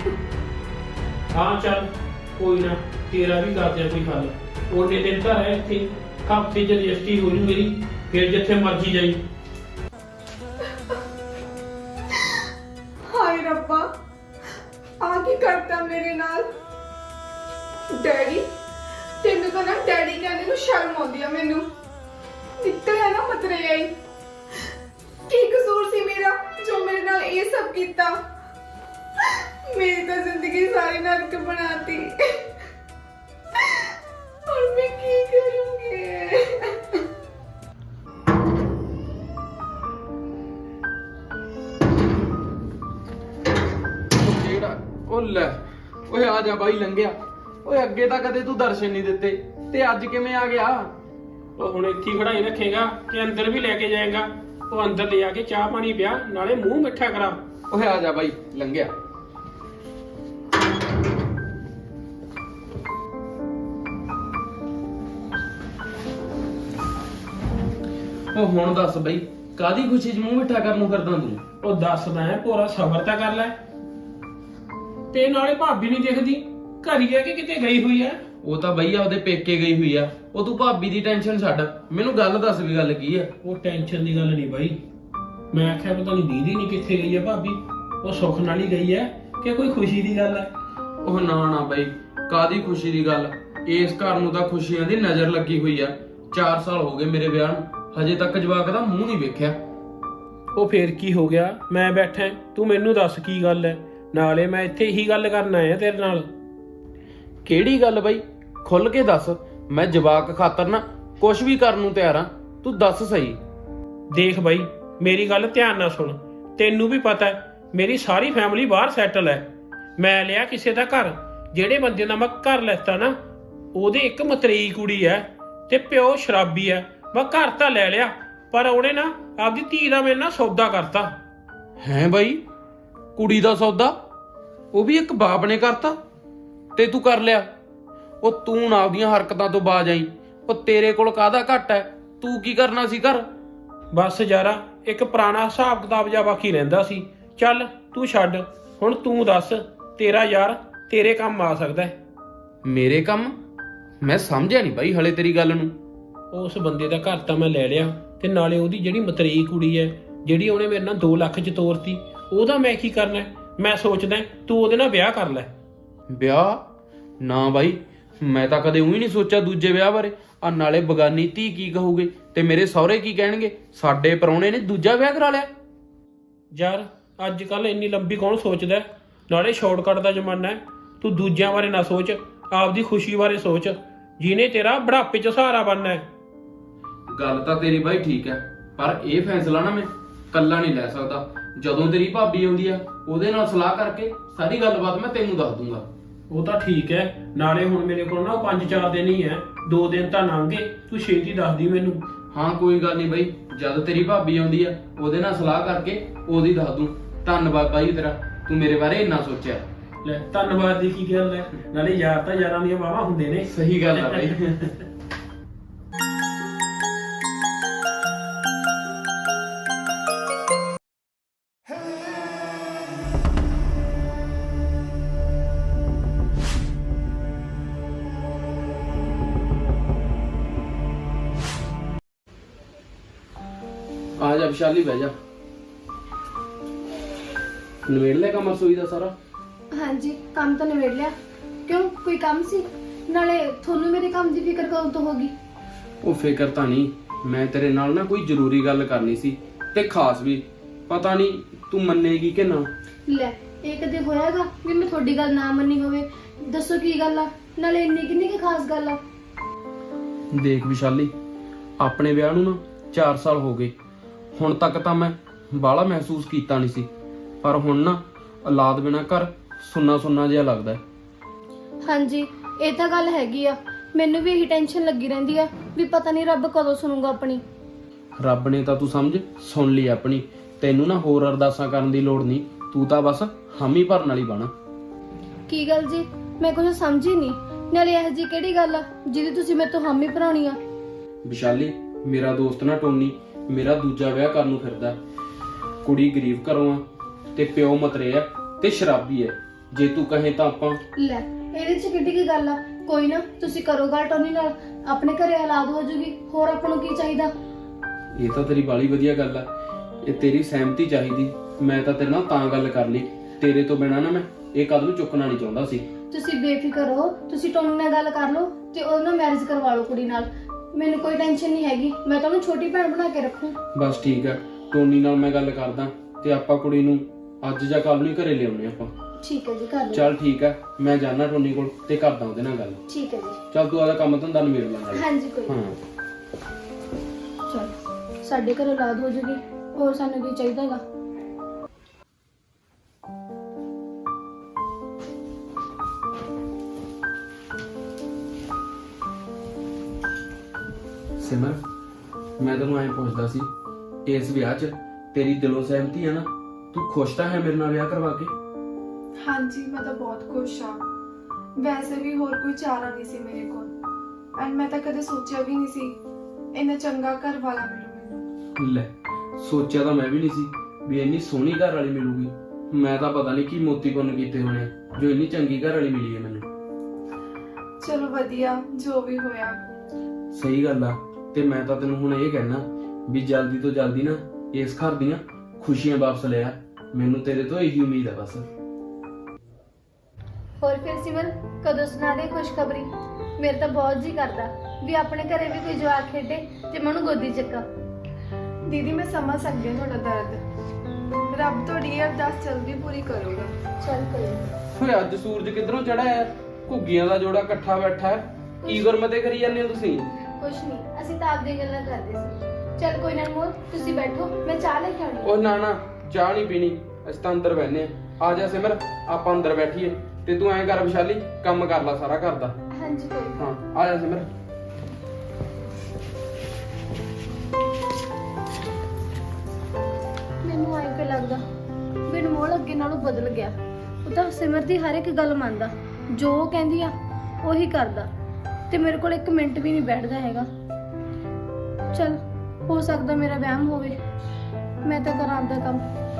Speaker 1: ਹਾਂ ਚੱਲ ਕੋਈ ਨਾ, ਤੇਰਾ ਵੀ ਕਰਦੇ ਆ ਕੋਈ ਹੱਲ। ਉਹਨੇ ਦਿਨ ਤਾਂ ਹੈ ਇੱਥੇ, ਹਫ਼ਤੇ 'ਚ ਰਜਿਸਟਰੀ ਹੋ ਜੂ ਮੇਰੀ, ਫਿਰ ਜਿੱਥੇ ਮਰਜੀ ਜਾਈ।
Speaker 2: ਹਾਏ ਰੱਬਾ, ਆ ਕੀ ਕਰਤਾ ਮੇਰੇ ਨਾਲ? ਡੈਡੀ, ਤੈਨੂੰ ਤਾਂ ਨਾ ਡੈਡੀ ਕਹਿੰਦੇ ਨੂੰ ਸ਼ਰਮ ਆਉਂਦੀ ਆ ਮੈਨੂੰ। ਨਿਕਲਿਆ ਨਾ ਮਤਰੇ ਆਈ। ਕੀ ਕਸੂਰ ਸੀ ਮੇਰਾ ਜੋ ਮੇਰੇ ਨਾਲ ਇਹ ਸਭ ਕੀਤਾ? ਮੇਰੀ ਤਾਂ ਜ਼ਿੰਦਗੀ ਸਾਰੀ ਨਰਕ ਬਣਾਤੀ। ਹੁਣ ਮੈਂ ਕੀ ਕਰੂੰਗੀ?
Speaker 3: ਉਹ ਲੈ, ਓਏ ਆ ਜਾ ਬਾਈ ਲੰਘਿਆ। ਓਏ ਅੱਗੇ ਤਾਂ ਕਦੇ ਤੂੰ ਦਰਸ਼ਨ ਨਹੀਂ ਦਿੱਤੇ ਤੇ ਅੱਜ ਕਿਵੇਂ ਆ ਗਿਆ?
Speaker 1: ਉਹ ਹੁਣ ਇੱਥੇ ਖੜਾਈ ਰੱਖੇਗਾ ਕਿ ਅੰਦਰ ਵੀ ਲੈ ਕੇ ਜਾਏਗਾ? ਉਹ ਅੰਦਰ ਲੈ ਆ ਕੇ ਚਾਹ ਪਾਣੀ ਪਿਆ, ਨਾਲੇ ਮੂੰਹ ਮਿੱਠਾ ਕਰਾ।
Speaker 3: ਓਏ ਆ ਜਾ ਬਾਈ ਲੰਘਿਆ। ਉਹ ਹੁਣ ਦੱਸ ਬਈ, ਕਾਦੀ ਖੁਸ਼ੀ 'ਚ ਮੂੰਹ ਮਿੱਠਾ ਕਰਨ ਨੂੰ ਕਰਦਾ ਤੂੰ?
Speaker 1: ਉਹ ਦੱਸਦਾ ਹੈ, ਪੂਰਾ ਸਬਰ ਤਾਂ ਕਰ ਲੈ। ਤੇ ਨਾਲੇ ਭਾਬੀ ਨਹੀਂ ਦਿਖਦੀ, ਘਰ ਹੀ ਹੈ ਕਿ ਕਿਤੇ ਗਈ ਹੋਈ ਹੈ?
Speaker 3: ਉਹ ਤਾਂ ਬਈ ਆਪਦੇ ਪੇਕੇ ਗਈ ਹੋਈ ਆ। ਉਹ ਤੂੰ ਭਾਬੀ ਦੀ ਟੈਨਸ਼ਨ ਛੱਡ, ਮੈਨੂੰ ਗੱਲ ਦੱਸ ਵੀ ਗੱਲ ਕੀ ਆ?
Speaker 1: ਉਹ ਟੈਨਸ਼ਨ ਦੀ ਗੱਲ ਨਹੀਂ ਬਾਈ। ਮੈਂ ਆਖਿਆ ਪਤਾ ਨਹੀਂ ਦੀਦੀ ਨਹੀਂ ਕਿੱਥੇ ਗਈ ਹੈ ਭਾਬੀ। ਉਹ ਸੁੱਖ ਨਾਲ ਹੀ ਗਈ ਹੈ ਕਿ ਕੋਈ ਖੁਸ਼ੀ ਦੀ ਗੱਲ ਹੈ?
Speaker 3: ਉਹ ਨਾ ਨਾ ਬਈ, ਕਾਦੀ ਖੁਸ਼ੀ ਦੀ ਗੱਲ? ਇਸ ਘਰ ਨੂੰ ਤਾਂ ਖੁਸ਼ੀਆਂ ਦੀ ਨਜ਼ਰ ਲੱਗੀ ਹੋਈ ਆ। 4 ਸਾਲ ਹੋ ਗਏ ਮੇਰੇ ਵਿਆਹ ਨੂੰ, ਹਜੇ ਤੱਕ ਜਵਾਕ ਦਾ ਮੂੰਹ ਨਹੀਂ ਵੇਖਿਆ।
Speaker 1: ਉਹ ਫੇਰ ਕੀ ਹੋ ਗਿਆ? ਮੈਂ ਬੈਠਾ, ਤੂੰ ਮੈਨੂੰ ਦੱਸ ਕੀ ਗੱਲ ਹੈ। ਨਾਲੇ ਮੈਂ ਇੱਥੇ ਇਹੀ ਗੱਲ ਕਰਨ ਆਇਆ ਤੇਰੇ ਨਾਲ।
Speaker 3: ਕਿਹੜੀ ਗੱਲ ਬਈ? ਖੁੱਲ ਕੇ ਦੱਸ। ਮੈਂ ਜਵਾਕ ਖਾਤਰ ਨਾ ਕੁਝ ਵੀ ਕਰਨ ਨੂੰ ਤਿਆਰ ਆ, ਤੂੰ ਦੱਸ ਸਹੀ।
Speaker 1: ਦੇਖ ਬਾਈ, ਮੇਰੀ ਗੱਲ ਧਿਆਨ ਨਾਲ ਸੁਣ। ਤੈਨੂੰ ਵੀ ਪਤਾ ਹੈ ਮੇਰੀ ਸਾਰੀ ਫੈਮਿਲੀ ਬਾਹਰ ਸੈਟਲ ਹੈ। ਮੈਂ ਲਿਆ ਕਿਸੇ ਦਾ ਘਰ, ਜਿਹੜੇ ਬੰਦੇ ਦਾ ਮੈਂ ਘਰ ਲੈਤਾ ਨਾ ਉਹਦੇ ਇੱਕ ਮਤਰੇਈ ਕੁੜੀ ਹੈ ਤੇ ਪਿਓ ਸ਼ਰਾਬੀ ਹੈ। ਮੈਂ ਘਰ ਤਾਂ ਲੈ ਲਿਆ, ਪਰ ਉਹਨੇ ਨਾ ਆਪਦੀ ਧੀ ਦਾ ਮੇਰੇ ਨਾਲ ਸੌਦਾ ਕਰਤਾ।
Speaker 3: ਹੈਂ ਬਾਈ, ਕੁੜੀ ਦਾ ਸੌਦਾ ਉਹ ਵੀ ਇੱਕ ਬਾਪ ਨੇ ਕਰਤਾ ਤੇ ਤੂੰ ਕਰ ਲਿਆ? ਉਹ ਤੂੰ ਨਾ ਆਪਦੀਆਂ ਹਰਕਤਾਂ ਤੋਂ ਬਾਜ ਆਈ। ਉਹ ਤੇਰੇ ਕੋਲ ਕਾਹਦਾ ਘੱਟ ਹੈ? ਤੂੰ ਕੀ ਕਰਨਾ ਸੀ ਘਰ?
Speaker 1: ਬਸ ਯਾਰਾ, ਇੱਕ ਪੁਰਾਣਾ ਹਿਸਾਬ ਕਿਤਾਬ ਜਿਹਾ ਬਾਕੀ ਰਹਿੰਦਾ ਸੀ। ਚੱਲ ਤੂੰ ਛੱਡ, ਹੁਣ ਤੂੰ ਦੱਸ, ਤੇਰਾ ਯਾਰ ਤੇਰੇ ਕੰਮ ਆ ਸਕਦਾ ਹੈ।
Speaker 3: ਮੇਰੇ ਕੰਮ? ਮੈਂ ਸਮਝਿਆ ਨਹੀਂ ਬਾਈ ਹਲੇ ਤੇਰੀ ਗੱਲ ਨੂੰ।
Speaker 1: ਉਸ ਬੰਦੇ ਦਾ ਘਰ ਤਾਂ ਮੈਂ ਲੈ ਲਿਆ, ਤੇ ਨਾਲੇ ਉਹਦੀ ਜਿਹੜੀ ਮਤਰੇਈ ਕੁੜੀ ਹੈ, ਜਿਹੜੀ ਉਹਨੇ ਮੇਰੇ ਨਾਲ 2 ਲੱਖ ਚ ਤੋਰਤੀ, ਉਹਦਾ ਮੈਂ ਕੀ ਕਰਨਾ ਹੈ? ਮੈਂ ਸੋਚਦਾ ਤੂੰ ਉਹਦੇ ਨਾਲ ਵਿਆਹ ਕਰ ਲੈ।
Speaker 3: ਵਿਆਹ? ਨਾ ਬਾਈ, ਮੈਂ ਤਾਂ ਕਦੇ ਉਹੀ ਨਹੀਂ ਸੋਚਿਆ ਦੂਜੇ ਵਿਆਹ ਬਾਰੇ। ਆ ਨਾਲੇ ਬਗਾਨੀ ਧੀ ਕੀ ਕਹੂਗੇ ਤੇ ਮੇਰੇ ਸਹੁਰੇ ਕੀ ਕਹਿਣਗੇ? ਸਾਡੇ ਪਰੌਣੇ ਨੇ ਦੂਜਾ ਵਿਆਹ ਕਰਾ ਲਿਆ।
Speaker 1: ਯਾਰ ਅੱਜ ਕੱਲ ਇੰਨੀ ਲੰਬੀ ਕੌਣ ਸੋਚਦਾ ਹੈ? ਨਾਲੇ ਸ਼ਾਰਟਕਟ ਦਾ ਜ਼ਮਾਨਾ ਹੈ। ਤੂੰ ਦੂਜਿਆਂ ਬਾਰੇ ਨਾ ਸੋਚ, ਆਪਦੀ ਖੁਸ਼ੀ ਬਾਰੇ ਸੋਚ, ਜਿਹਨੇ ਤੇਰਾ ਬੁਢਾਪੇ 'ਚ ਸਹਾਰਾ ਬਣਨਾ ਹੈ।
Speaker 3: ਗੱਲ ਤਾਂ ਤੇਰੀ ਬਾਈ ਠੀਕ ਹੈ, ਪਰ ਇਹ ਫੈਸਲਾ ਨਾ ਮੈਂ ਕੱਲਾ ਨਹੀਂ ਲੈ ਸਕਦਾ। ਜਦੋਂ ਤੇਰੀ ਭਾਬੀ ਆਉਂਦੀ ਆ ਉਹਦੇ ਨਾਲ ਸਲਾਹ ਕਰਕੇ ਸਾਰੀ ਗੱਲਬਾਤ ਮੈਂ ਤੈਨੂੰ ਦੱਸ ਦੂੰਗਾ।
Speaker 1: ਉਹ ਤਾਂ ਠੀਕ ਹੈ, ਨਾਲੇ ਹੁਣ ਮੇਰੇ ਕੋਲ ਨਾ 5-4 ਦਿਨ ਹੀ ਹੈ, 2 ਦਿਨ ਤਾਂ ਲੰਘ ਗਏ। ਤੂੰ ਛੇਤੀ ਦੱਸਦੀ ਮੈਨੂੰ।
Speaker 3: ਹਾਂ ਕੋਈ ਗੱਲ ਨਹੀਂ ਬਾਈ, ਜਦ ਤੇਰੀ ਭਾਬੀ ਆਉਂਦੀ ਆ ਉਹਦੇ ਨਾਲ ਸਲਾਹ ਕਰਕੇ ਉਹਦੀ ਦੱਸ ਦੂੰ। ਧੰਨਵਾਦ ਬਾਈ ਤੇਰਾ, ਤੂੰ ਮੇਰੇ ਬਾਰੇ ਇੰਨਾ ਸੋਚਿਆ।
Speaker 1: ਲੈ ਧੰਨਵਾਦ ਦੀ ਕੀ ਗੱਲ ਹੈ, ਨਾਲੇ ਯਾਰ ਤਾਂ ਯਾਰਾਂ ਦੀਆਂ ਵਾਹਵਾਂ ਹੁੰਦੇ ਨੇ।
Speaker 3: ਸਹੀ ਗੱਲ ਆ ਬਾਈ। ਆ ਜਾ ਵਿਸ਼ਾਲੀ, ਬਹਿ ਜਾ। ਨਵੇੜ ਲੈ ਕੰਮ ਰਸੋਈ ਦਾ ਸਾਰਾ?
Speaker 2: ਹਾਂਜੀ, ਕੰਮ ਤਾਂ ਨਿਬੇੜ ਲਿਆ। ਕਿਉਂ, ਕੋਈ ਕੰਮ ਸੀ? ਨਾਲੇ ਤੁਹਾਨੂੰ ਮੇਰੇ ਕੰਮ ਦੀ ਫਿਕਰ ਕਦੋਂ ਤੋਂ ਹੋ ਗਈ?
Speaker 3: ਉਹ ਫਿਕਰ ਤਾਂ ਨਹੀਂ, ਮੈਂ ਤੇਰੇ ਨਾਲ ਨਾ ਕੋਈ ਜ਼ਰੂਰੀ ਗੱਲ ਕਰਨੀ ਸੀ, ਤੇ ਖਾਸ ਵੀ। ਪਤਾ ਨਹੀਂ ਤੂੰ ਮੰਨੇਗੀ ਕਿ ਨਾ।
Speaker 2: ਲੈ, ਇਹ ਕਦੇ ਹੋਇਆਗਾ ਵੀ ਮੈਂ ਤੁਹਾਡੀ ਗੱਲ ਨਾ ਮੰਨੀ ਹੋਵੇ? ਦੱਸੋ ਕੀ ਗੱਲ ਆ, ਨਾਲੇ ਇੰਨੀ ਕਿੰਨੀ ਕੀ ਖਾਸ ਗੱਲ ਆ?
Speaker 3: ਦੇਖ ਵਿਸ਼ਾਲੀ, ਆਪਣੇ ਵਿਆਹ ਨੂੰ ਨਾ 4 ਸਾਲ ਹੋ ਗਏ। ਹੁਣ ਤੱਕ ਤਾਂ ਮੈਂ ਬਾਹਲਾ ਮਹਿਸੂਸ ਕੀਤਾ ਨਹੀਂ ਸੀ, ਪਰ ਹੁਣ ਨਾ ਔਲਾਦ ਬਿਨਾਂ ਘਰ ਸੁੰਨਾ ਸੁੰਨਾ ਜਿਹਾ ਲੱਗਦਾ।
Speaker 2: ਹਾਂਜੀ, ਇਹ ਤਾਂ ਗੱਲ ਹੈਗੀ ਆ। ਮੈਨੂੰ ਵੀ ਇਹੀ ਟੈਨਸ਼ਨ ਲੱਗੀ ਰਹਿੰਦੀ ਆ ਵੀ ਪਤਾ ਨਹੀਂ ਰੱਬ ਕਦੋਂ ਸੁਣੂਗਾ ਆਪਣੀ।
Speaker 3: ਰੱਬ ਨੇ ਤਾਂ ਤੂੰ ਸਮਝ ਸੁਣ ਲਈ ਆਪਣੀ। ਤੈਨੂੰ ਨਾ ਹੋਰ ਅਰਦਾਸਾਂ ਕਰਨ ਦੀ ਲੋੜ ਨਹੀਂ, ਤੂੰ ਤਾਂ ਬਸ ਹਾਮੀ ਭਰਨ ਵਾਲੀ ਬਣ।
Speaker 2: ਕੀ ਗੱਲ ਜੀ, ਮੈਂ ਕੁਝ ਸਮਝੀ ਨਹੀਂ। ਨਾਲੇ ਇਹ ਜੀ ਕਿਹੜੀ ਗੱਲ ਆ ਜਿਹਦੀ ਤੁਸੀਂ ਮੇਰੇ ਤੋਂ ਹਾਮੀ ਭਰਾਉਣੀ ਆ?
Speaker 3: ਵਿਸ਼ਾਲੀ, ਮੇਰਾ ਦੋਸਤ ਨਾ ਟੋਨੀ ਮੇਰਾ ਦੂਜਾ ਵਿਆਹ ਕਰਨ ਨੂੰ ਫਿਰਦਾ। ਕੁੜੀ ਗਰੀਬ ਘਰੋਂ ਆ ਤੇ ਪਿਓ ਮਤਰੇ ਆ ਤੇ ਸ਼ਰਾਬੀ ਹੈ। ਜੇ ਤੂੰ ਕਹੇ ਤਾਂ ਆਪਾਂ।
Speaker 2: ਲੈ, ਇਹਦੇ ਚ ਕਿੱਡੀ ਕੀ ਗੱਲ ਆ? ਕੋਈ ਨਾ, ਤੁਸੀਂ ਕਰੋ ਗੱਲ ਟੋਨੀ ਨਾਲ, ਆਪਣੇ ਘਰੇ ਔਲਾਦ ਹੋ ਜੂਗੀ। ਹੋਰ ਆਪਾਂ ਨੂੰ ਕੀ ਚਾਹੀਦਾ?
Speaker 3: ਇਹ ਤਾਂ ਤੇਰੀ ਬਾਲੀ ਵਧੀਆ ਗੱਲ ਆ, ਇਹ ਤੇਰੀ ਸਹਿਮਤੀ ਚਾਹੀਦੀ। ਮੈਂ ਤਾਂ ਤੇਰੇ ਨਾਲ ਤਾਂ ਗੱਲ ਕਰ ਲਈ, ਤੇਰੇ ਤੋਂ ਬਿਨਾਂ ਨਾ ਮੈਂ ਇਹ ਕਦਮ ਚੁੱਕਣਾ ਨਹੀਂ ਚਾਹੁੰਦਾ ਸੀ।
Speaker 2: ਤੁਸੀਂ ਬੇਫਿਕਰ ਹੋ, ਤੁਸੀਂ ਟੋਨੀ ਨਾਲ ਗੱਲ ਕਰ ਲਓ ਤੇ ਉਹਦੇ ਨਾਲ ਮੈਰਿਜ ਕਰਵਾ ਲਓ ਕੁੜੀ ਨਾਲ। ਮੈਨੂੰ ਕੋਈ ਟੈਨਸ਼ਨ ਨਹੀਂ ਹੈਗੀ, ਮੈਂ ਤੁਹਾਨੂੰ ਛੋਟੀ ਭੈਣ ਬਣਾ ਕੇ ਰੱਖੂ।
Speaker 3: ਬਸ ਠੀਕ ਆ, ਟੋਨੀ ਨਾਲ ਮੈਂ ਗੱਲ ਕਰਦਾ ਤੇ ਆਪਾਂ ਕੁੜੀ ਨੂੰ ਅੱਜ ਜਾਂ ਕੱਲ ਨੂੰ ਘਰੇ ਲਿਆਉਣੇ ਆਪਾਂ।
Speaker 2: ਠੀਕ ਹੈ ਜੀ, ਕਰ ਲਓ।
Speaker 3: ਚੱਲ ਠੀਕ ਆ, ਮੈਂ ਜਾਣਾ ਟੋਨੀ ਕੋਲ ਤੇ ਕਰਦਾ ਉਹਦੇ ਨਾਲ ਗੱਲ।
Speaker 2: ਠੀਕ ਹੈ ਜੀ।
Speaker 3: ਚੱਲ ਤੂੰ ਆਦਾ ਕੰਮ ਧੰਦਾ ਨਿਬੇੜ ਲੈ ਨਾਲ।
Speaker 2: ਹਾਂਜੀ, ਕੋਈ
Speaker 3: ਹਾਂ।
Speaker 2: ਚਲ, ਸਾਡੇ ਘਰ ਔਲਾਦ ਹੋ ਜੂਗੀ, ਹੋਰ ਸਾਨੂੰ ਕੀ ਚਾਹੀਦਾ ਹੈਗਾ?
Speaker 3: ਸਿਮਰ, ਮੈਂ ਤੈਨੂੰ ਐਂ ਪੁੱਛਦਾ ਸੀ, ਇਸ ਵਿਆਹ 'ਚ ਤੇਰੀ ਦਿਲੋਂ ਸਹਿਮਤੀ ਹੈ ਨਾ? ਤੂੰ ਖੁਸ਼ ਤਾਂ ਹੈ ਮੇਰੇ ਨਾਲ ਵਿਆਹ ਕਰਵਾ ਕੇ?
Speaker 2: ਹਾਂਜੀ, ਮੈਂ ਤਾਂ ਬਹੁਤ ਖੁਸ਼ ਹਾਂ। ਵੈਸੇ ਵੀ ਹੋਰ ਕੋਈ ਚਾਰਾ ਨਹੀਂ ਸੀ ਮੇਰੇ ਕੋਲ, ਐਂਡ ਮੈਂ ਤਾਂ ਕਦੇ ਸੋਚਿਆ ਵੀ ਨਹੀਂ ਸੀ ਇੰਨਾ ਚੰਗਾ ਘਰ ਵਾਲਾ ਮਿਲੂ ਮੈਨੂੰ।
Speaker 3: ਲੈ, ਸੋਚਿਆ ਤਾਂ ਮੈਂ ਵੀ ਨਹੀਂ ਸੀ ਵੀ ਇੰਨੀ ਸੋਹਣੀ ਘਰ ਵਾਲੀ ਮਿਲੂਗੀ। ਮੈਂ ਤਾਂ ਪਤਾ ਨਹੀਂ ਕੀ ਮੋਤੀ ਪੁੰਨ ਕੀਤੇ ਹੋਣੇ ਜੋ ਇੰਨੀ ਚੰਗੀ ਘਰ ਵਾਲੀ ਮਿਲੀ ਹੈ ਮੈਨੂੰ।
Speaker 2: ਚਲੋ ਵਧੀਆ, ਜੋ ਵੀ ਹੋਇਆ।
Speaker 3: ਸਹੀ ਗੱਲ ਆ, ਤੇ ਮੈਂ ਤਾਂ ਤੈਨੂੰ ਹੁਣ ਇਹ ਕਹਿਣਾ ਵੀ ਜਲਦੀ ਤੋਂ ਜਲਦੀ ਨਾ ਇਸ ਘਰ ਦੀਆਂ ਖੁਸ਼ੀਆਂ ਵਾਪਸ ਲੈ ਆ। ਮੈਨੂੰ ਤੇਰੇ ਤੋਂ ਇਹੀ ਉਮੀਦ ਹੈ ਬਸ।
Speaker 2: ਹੋਰ ਫਿਰ ਸਿਮਰ, ਕਦੋਂ ਸੁਣਾ ਦੇ ਖੁਸ਼ਖਬਰੀ? ਮੇਰੇ ਤਾਂ ਬਹੁਤ ਜੀ ਕਰਦਾ ਵੀ ਆਪਣੇ ਘਰੇ ਵੀ ਕੋਈ ਜਵਾਕ ਖੇਡੇ ਤੇ ਮੈਂ ਉਹਨੂੰ ਗੋਦੀ ਚੱਕਾਂ।
Speaker 4: ਦੀਦੀ, ਮੈਂ ਸਮਝ ਸਕਦੀ ਹਾਂ ਤੁਹਾਡਾ ਦਰਦ। ਰੱਬ ਤੁਹਾਡੀ ਇਹ ਅਰਦਾਸ ਜਲਦੀ ਪੂਰੀ ਕਰੂਗਾ।
Speaker 2: ਚੱਲ ਕੋਈ ਨੀ।
Speaker 3: ਓਏ ਅੱਜ ਸੂਰਜ ਕਿੱਧਰੋਂ ਚੜਿਆ ਹੈ? ਘੁੱਗੀਆਂ ਦਾ ਜੋੜਾ ਇਕੱਠਾ ਬੈਠਾ ਹੈ। ਕੀ ਗੁਰਮਤੇ ਕਰੀ ਜਾਂਦੇ ਹੋ ਤੁਸੀਂ?
Speaker 2: ਕੁਛ ਨਹੀਂ, ਅਸੀਂ ਤਾਂ ਆਪਦੀ ਗੱਲਾਂ ਕਰਦੇ ਸੀ। ਚੱਲ ਕੋਈ ਨਾ ਅਨਮੋਲ, ਤੁਸੀਂ ਬੈਠੋ, ਮੈਂ ਚਾਹ ਲੈ ਕੇ ਆਉਣੀ।
Speaker 3: ਉਹ ਨਾ ਨਾ, ਚਾਹ ਨਹੀਂ ਪੀਣੀ। ਅਸੀਂ ਤਾਂ ਅੰਦਰ ਬੈਠਨੇ ਆ ਜਾ ਸਿਮਰ, ਆਪਾਂ ਅੰਦਰ ਬੈਠੀਏ ਤੇ ਤੂੰ ਐਂ ਕਰ ਵਿਸ਼ਾਲੀ, ਕੰਮ ਕਰ ਲੈ ਸਾਰਾ ਘਰ ਦਾ।
Speaker 4: ਹਾਂਜੀ ਕੋਈ ਨੀ।
Speaker 3: ਹਾਂ ਆ ਜਾ ਸਿਮਰ।
Speaker 5: ਮੈਨੂੰ ਐਂ ਕਿ ਲੱਗਦਾ ਵੀ ਅਨਮੋਲ ਅੱਗੇ ਨਾਲੋਂ ਬਦਲ ਗਿਆ। ਉਹ ਤਾਂ ਸਿਮਰ ਦੀ ਹਰ ਇੱਕ ਗੱਲ ਮੰਨਦਾ, ਜੋ ਉਹ ਕਹਿੰਦੀ ਆ ਉਹੀ ਕਰਦਾ, ਤੇ ਮੇਰੇ ਕੋਲ 1 ਮਿੰਟ ਵੀ ਨਹੀਂ ਬੈਠਦਾ ਹੈਗਾ। ਚਲ ਹੋ ਸਕਦਾ ਮੇਰਾ ਵਹਿਮ ਹੋਵੇ, ਮੈਂ ਤਾਂ ਕਰਾਂ ਆਪਦਾ ਕੰਮ।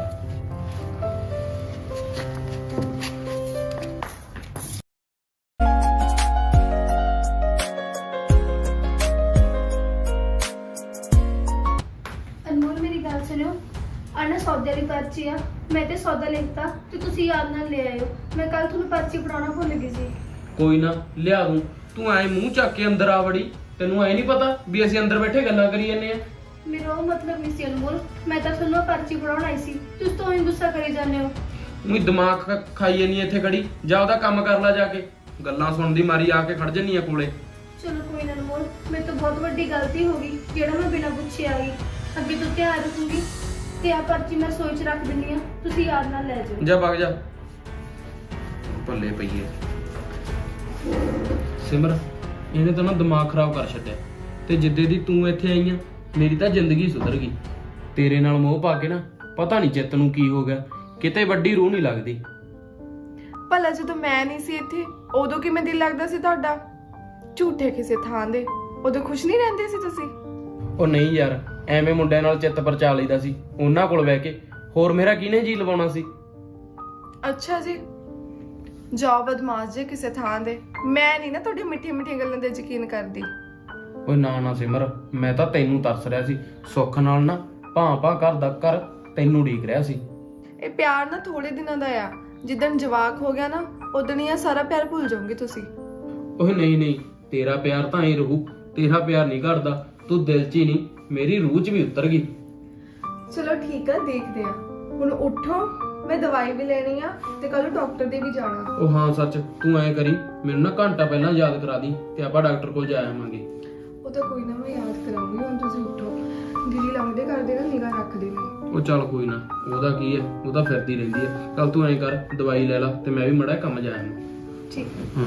Speaker 5: ਅਨਮੋਲ ਮੇਰੀ ਗੱਲ ਸੁਣਿਓ, ਆਣਾ ਸੌਦੇ ਵਾਲੀ ਪਰਚੀ ਆ, ਮੈਂ ਤੇ ਸੌਦਾ ਲਿਖਤਾ ਤੇ ਤੁਸੀਂ ਯਾਦ ਨਾਲ ਲੈ ਆਇਓ। ਮੈਂ ਕੱਲ ਤੁਹਾਨੂੰ ਪਰਚੀ ਫੜਾਉਣਾ ਭੁੱਲ ਗਈ ਸੀ।
Speaker 3: ਕੋਈ ਨਾ ਲਿਆ ਦੂੰ, ਤੂੰ ਐਂ ਮੂੰਹ ਚੱਕ ਕੇ ਅੰਦਰ ਆ ਵੜੀ। ਤੈਨੂੰ ਐ ਨਹੀਂ ਪਤਾ ਵੀ ਅਸੀਂ ਅੰਦਰ ਬੈਠੇ ਗੱਲਾਂ ਕਰੀ ਜੰਨੇ ਆ?
Speaker 5: ਮੇਰਾ ਉਹ ਮਤਲਬ ਨਹੀਂ ਸੀ ਅਨਮੋਲ, ਮੈਂ ਤਾਂ ਤੁਹਾਨੂੰ ਉਹ ਪਰਚੀ ਫੜਾਉਣ ਆਈ ਸੀ, ਤੁਸੀਂ ਤਾਂ ਹੀ ਗੁੱਸਾ ਕਰੀ ਜਾਂਦੇ ਹੋ।
Speaker 3: ਉਹੀ ਦਿਮਾਗ ਖਾਈ ਜੰਨੀ ਇੱਥੇ ਖੜੀ, ਜਾ ਉਹਦਾ ਕੰਮ ਕਰ ਲੈ ਜਾ ਕੇ। ਗੱਲਾਂ ਸੁਣਦੀ ਮਾਰੀ ਆ ਕੇ ਖੜ ਜੰਨੀ ਆ ਕੋਲੇ।
Speaker 5: ਚਲੋ ਕੋਈ ਨਾ ਅਨਮੋਲ, ਮੇਰੇ ਤੋਂ ਬਹੁਤ ਵੱਡੀ ਗਲਤੀ ਹੋ ਗਈ ਜਿਹੜਾ ਮੈਂ ਬਿਨਾਂ ਪੁੱਛੇ ਆ ਗਈ। ਅੱਗੇ ਤੋਂ ਧਿਆਨ ਰੱਖੂੰਗੀ ਤੇ ਆ ਪਰਚੀ ਮੈਂ ਸੋਚ 'ਚ ਰੱਖ ਦਿੰਨੀ ਆ, ਤੁਸੀਂ ਯਾਦ ਨਾਲ ਲੈ ਜਾਓ।
Speaker 3: ਜਾ ਵਗ ਜਾ, ਭੱਲੇ ਪਈਏ। ਸਿਮਰ ਇਹਨੇ ਤਾਂ ਨਾ ਦਿਮਾਗ ਖਰਾਬ ਕਰ ਛੱਡਿਆ, ਤੇ ਜਿੱਦੇ ਦੀ ਤੂੰ ਇੱਥੇ ਆਈ ਆ ਮੇਰੀ ਤਾਂ ਜ਼ਿੰਦਗੀ ਸੁਧਰ ਗਈ। ਤੇਰੇ ਨਾਲ ਮੋਹ ਪਾ ਕੇ ਨਾ ਪਤਾ ਨਹੀਂ ਚਿੱਤ ਨੂੰ ਕੀ ਹੋ ਗਿਆ, ਕਿਤੇ ਵੱਡੀ ਰੂਹ ਨਹੀਂ ਲੱਗਦੀ।
Speaker 4: ਭਲਾ ਜਦੋਂ ਮੈਂ ਨਹੀਂ ਸੀ ਇੱਥੇ ਉਦੋਂ ਕਿਵੇਂ ਦਿਲ ਲੱਗਦਾ ਸੀ ਤੁਹਾਡਾ? ਝੂਠੇ ਕਿਸੇ ਥਾਂ ਦੇ, ਉਦੋਂ ਖੁਸ਼ ਨਹੀਂ ਰਹਿੰਦੇ ਸੀ ਤੁਸੀਂ?
Speaker 3: ਉਹ ਨਹੀਂ ਯਾਰ, ਐਵੇਂ ਮੁੰਡਿਆਂ ਨਾਲ ਚਿੱਤ ਪਰਚਾ ਲਈਦਾ ਸੀ ਉਹਨਾਂ ਕੋਲ ਬਹਿ ਕੇ, ਹੋਰ ਮੇਰਾ ਕਿਹਨੇ ਜੀ ਲਵਾਉਣਾ ਸੀ।
Speaker 4: ਅੱਛਾ ਜੀ, ਜਾਓ ਬਦਮਾਸ਼ ਜੇ ਕਿਸੇ ਥਾਂ ਦੇ। ਮੈਂ ਨਹੀਂ ਨਾ ਤੁਹਾਡੀ ਮਿੱਠੀ ਮਿੱਠੀ ਗੱਲਾਂ ਤੇ ਯਕੀਨ ਕਰਦੀ।
Speaker 3: ਓਏ ਨਾ ਨਾ ਸਿਮਰ, ਮੈਂ ਤਾਂ ਤੈਨੂੰ ਤਰਸ ਰਿਹਾ ਸੀ। ਸੁੱਖ ਨਾਲ ਨਾ ਭਾਂ ਘਰ ਦਾ ਘਰ ਤੈਨੂੰ ਉਡੀਕ ਰਿਹਾ ਸੀ।
Speaker 4: ਇਹ ਪਿਆਰ ਨਾ ਥੋੜੇ ਦਿਨਾਂ ਦਾ ਆ, ਜਿੱਦਣ ਜਵਾਕ ਹੋ ਗਿਆ ਨਾ ਉਦਣ ਹੀ ਆ ਸਾਰਾ ਪਿਆਰ ਭੁੱਲ ਜਾਓਗੇ ਤੁਸੀਂ।
Speaker 3: ਓਏ ਨਹੀਂ ਨਹੀਂ, ਤੇਰਾ ਪਿਆਰ ਤਾਂ ਐ ਰਹੂ, ਤੇਰਾ ਪਿਆਰ ਨਹੀਂ ਘਟਦਾ। ਤੂੰ ਦਿਲ 'ਚ ਹੀ ਨਹੀਂ, ਮੇਰੀ ਰੂਹ 'ਚ ਵੀ ਉਤਰ ਗਈ।
Speaker 4: ਚਲੋ ਠੀਕ ਆ, ਦੇਖਦੇ ਆ। ਹੁਣ ਉੱਠੋ, ਮੈਂ ਦਵਾਈ ਵੀ ਲੈਣੀ ਆ ਤੇ ਕੱਲ ਡਾਕਟਰ ਦੇ ਵੀ ਜਾਣਾ।
Speaker 3: ਉਹ ਹਾਂ ਸੱਚ, ਤੂੰ ਐ ਕਰੀ ਮੈਨੂੰ ਨਾ ਘੰਟਾ ਪਹਿਲਾਂ ਯਾਦ ਕਰਾ ਦੀ ਤੇ ਆਪਾਂ ਡਾਕਟਰ ਕੋਲ ਜਾ ਆਵਾਂਗੇ।
Speaker 4: ਉਹ ਤਾਂ ਕੋਈ ਨਾ, ਮੈਂ ਯਾਦ ਕਰਾਉਂਗੀ। ਹੁਣ ਤੁਸੀਂ ਉੱਠੋ, ਦੀਦੀ ਲੰਘਦੇ ਕਰਦੇ ਨਾ ਨਿਗਾਹ ਰੱਖਦੇ ਨੇ।
Speaker 3: ਉਹ ਚੱਲ ਕੋਈ ਨਾ, ਉਹਦਾ ਕੀ ਹੈ, ਉਹ ਤਾਂ ਫਿਰਦੀ ਰਹਿੰਦੀ ਹੈ। ਚੱਲ ਤੂੰ ਐ ਕਰ, ਦਵਾਈ ਲੈ ਲਾ ਤੇ ਮੈਂ ਵੀ ਮੜਾ ਕੰਮ ਜਾ ਆਵਾਂ।
Speaker 4: ਠੀਕ।
Speaker 3: ਹਾਂ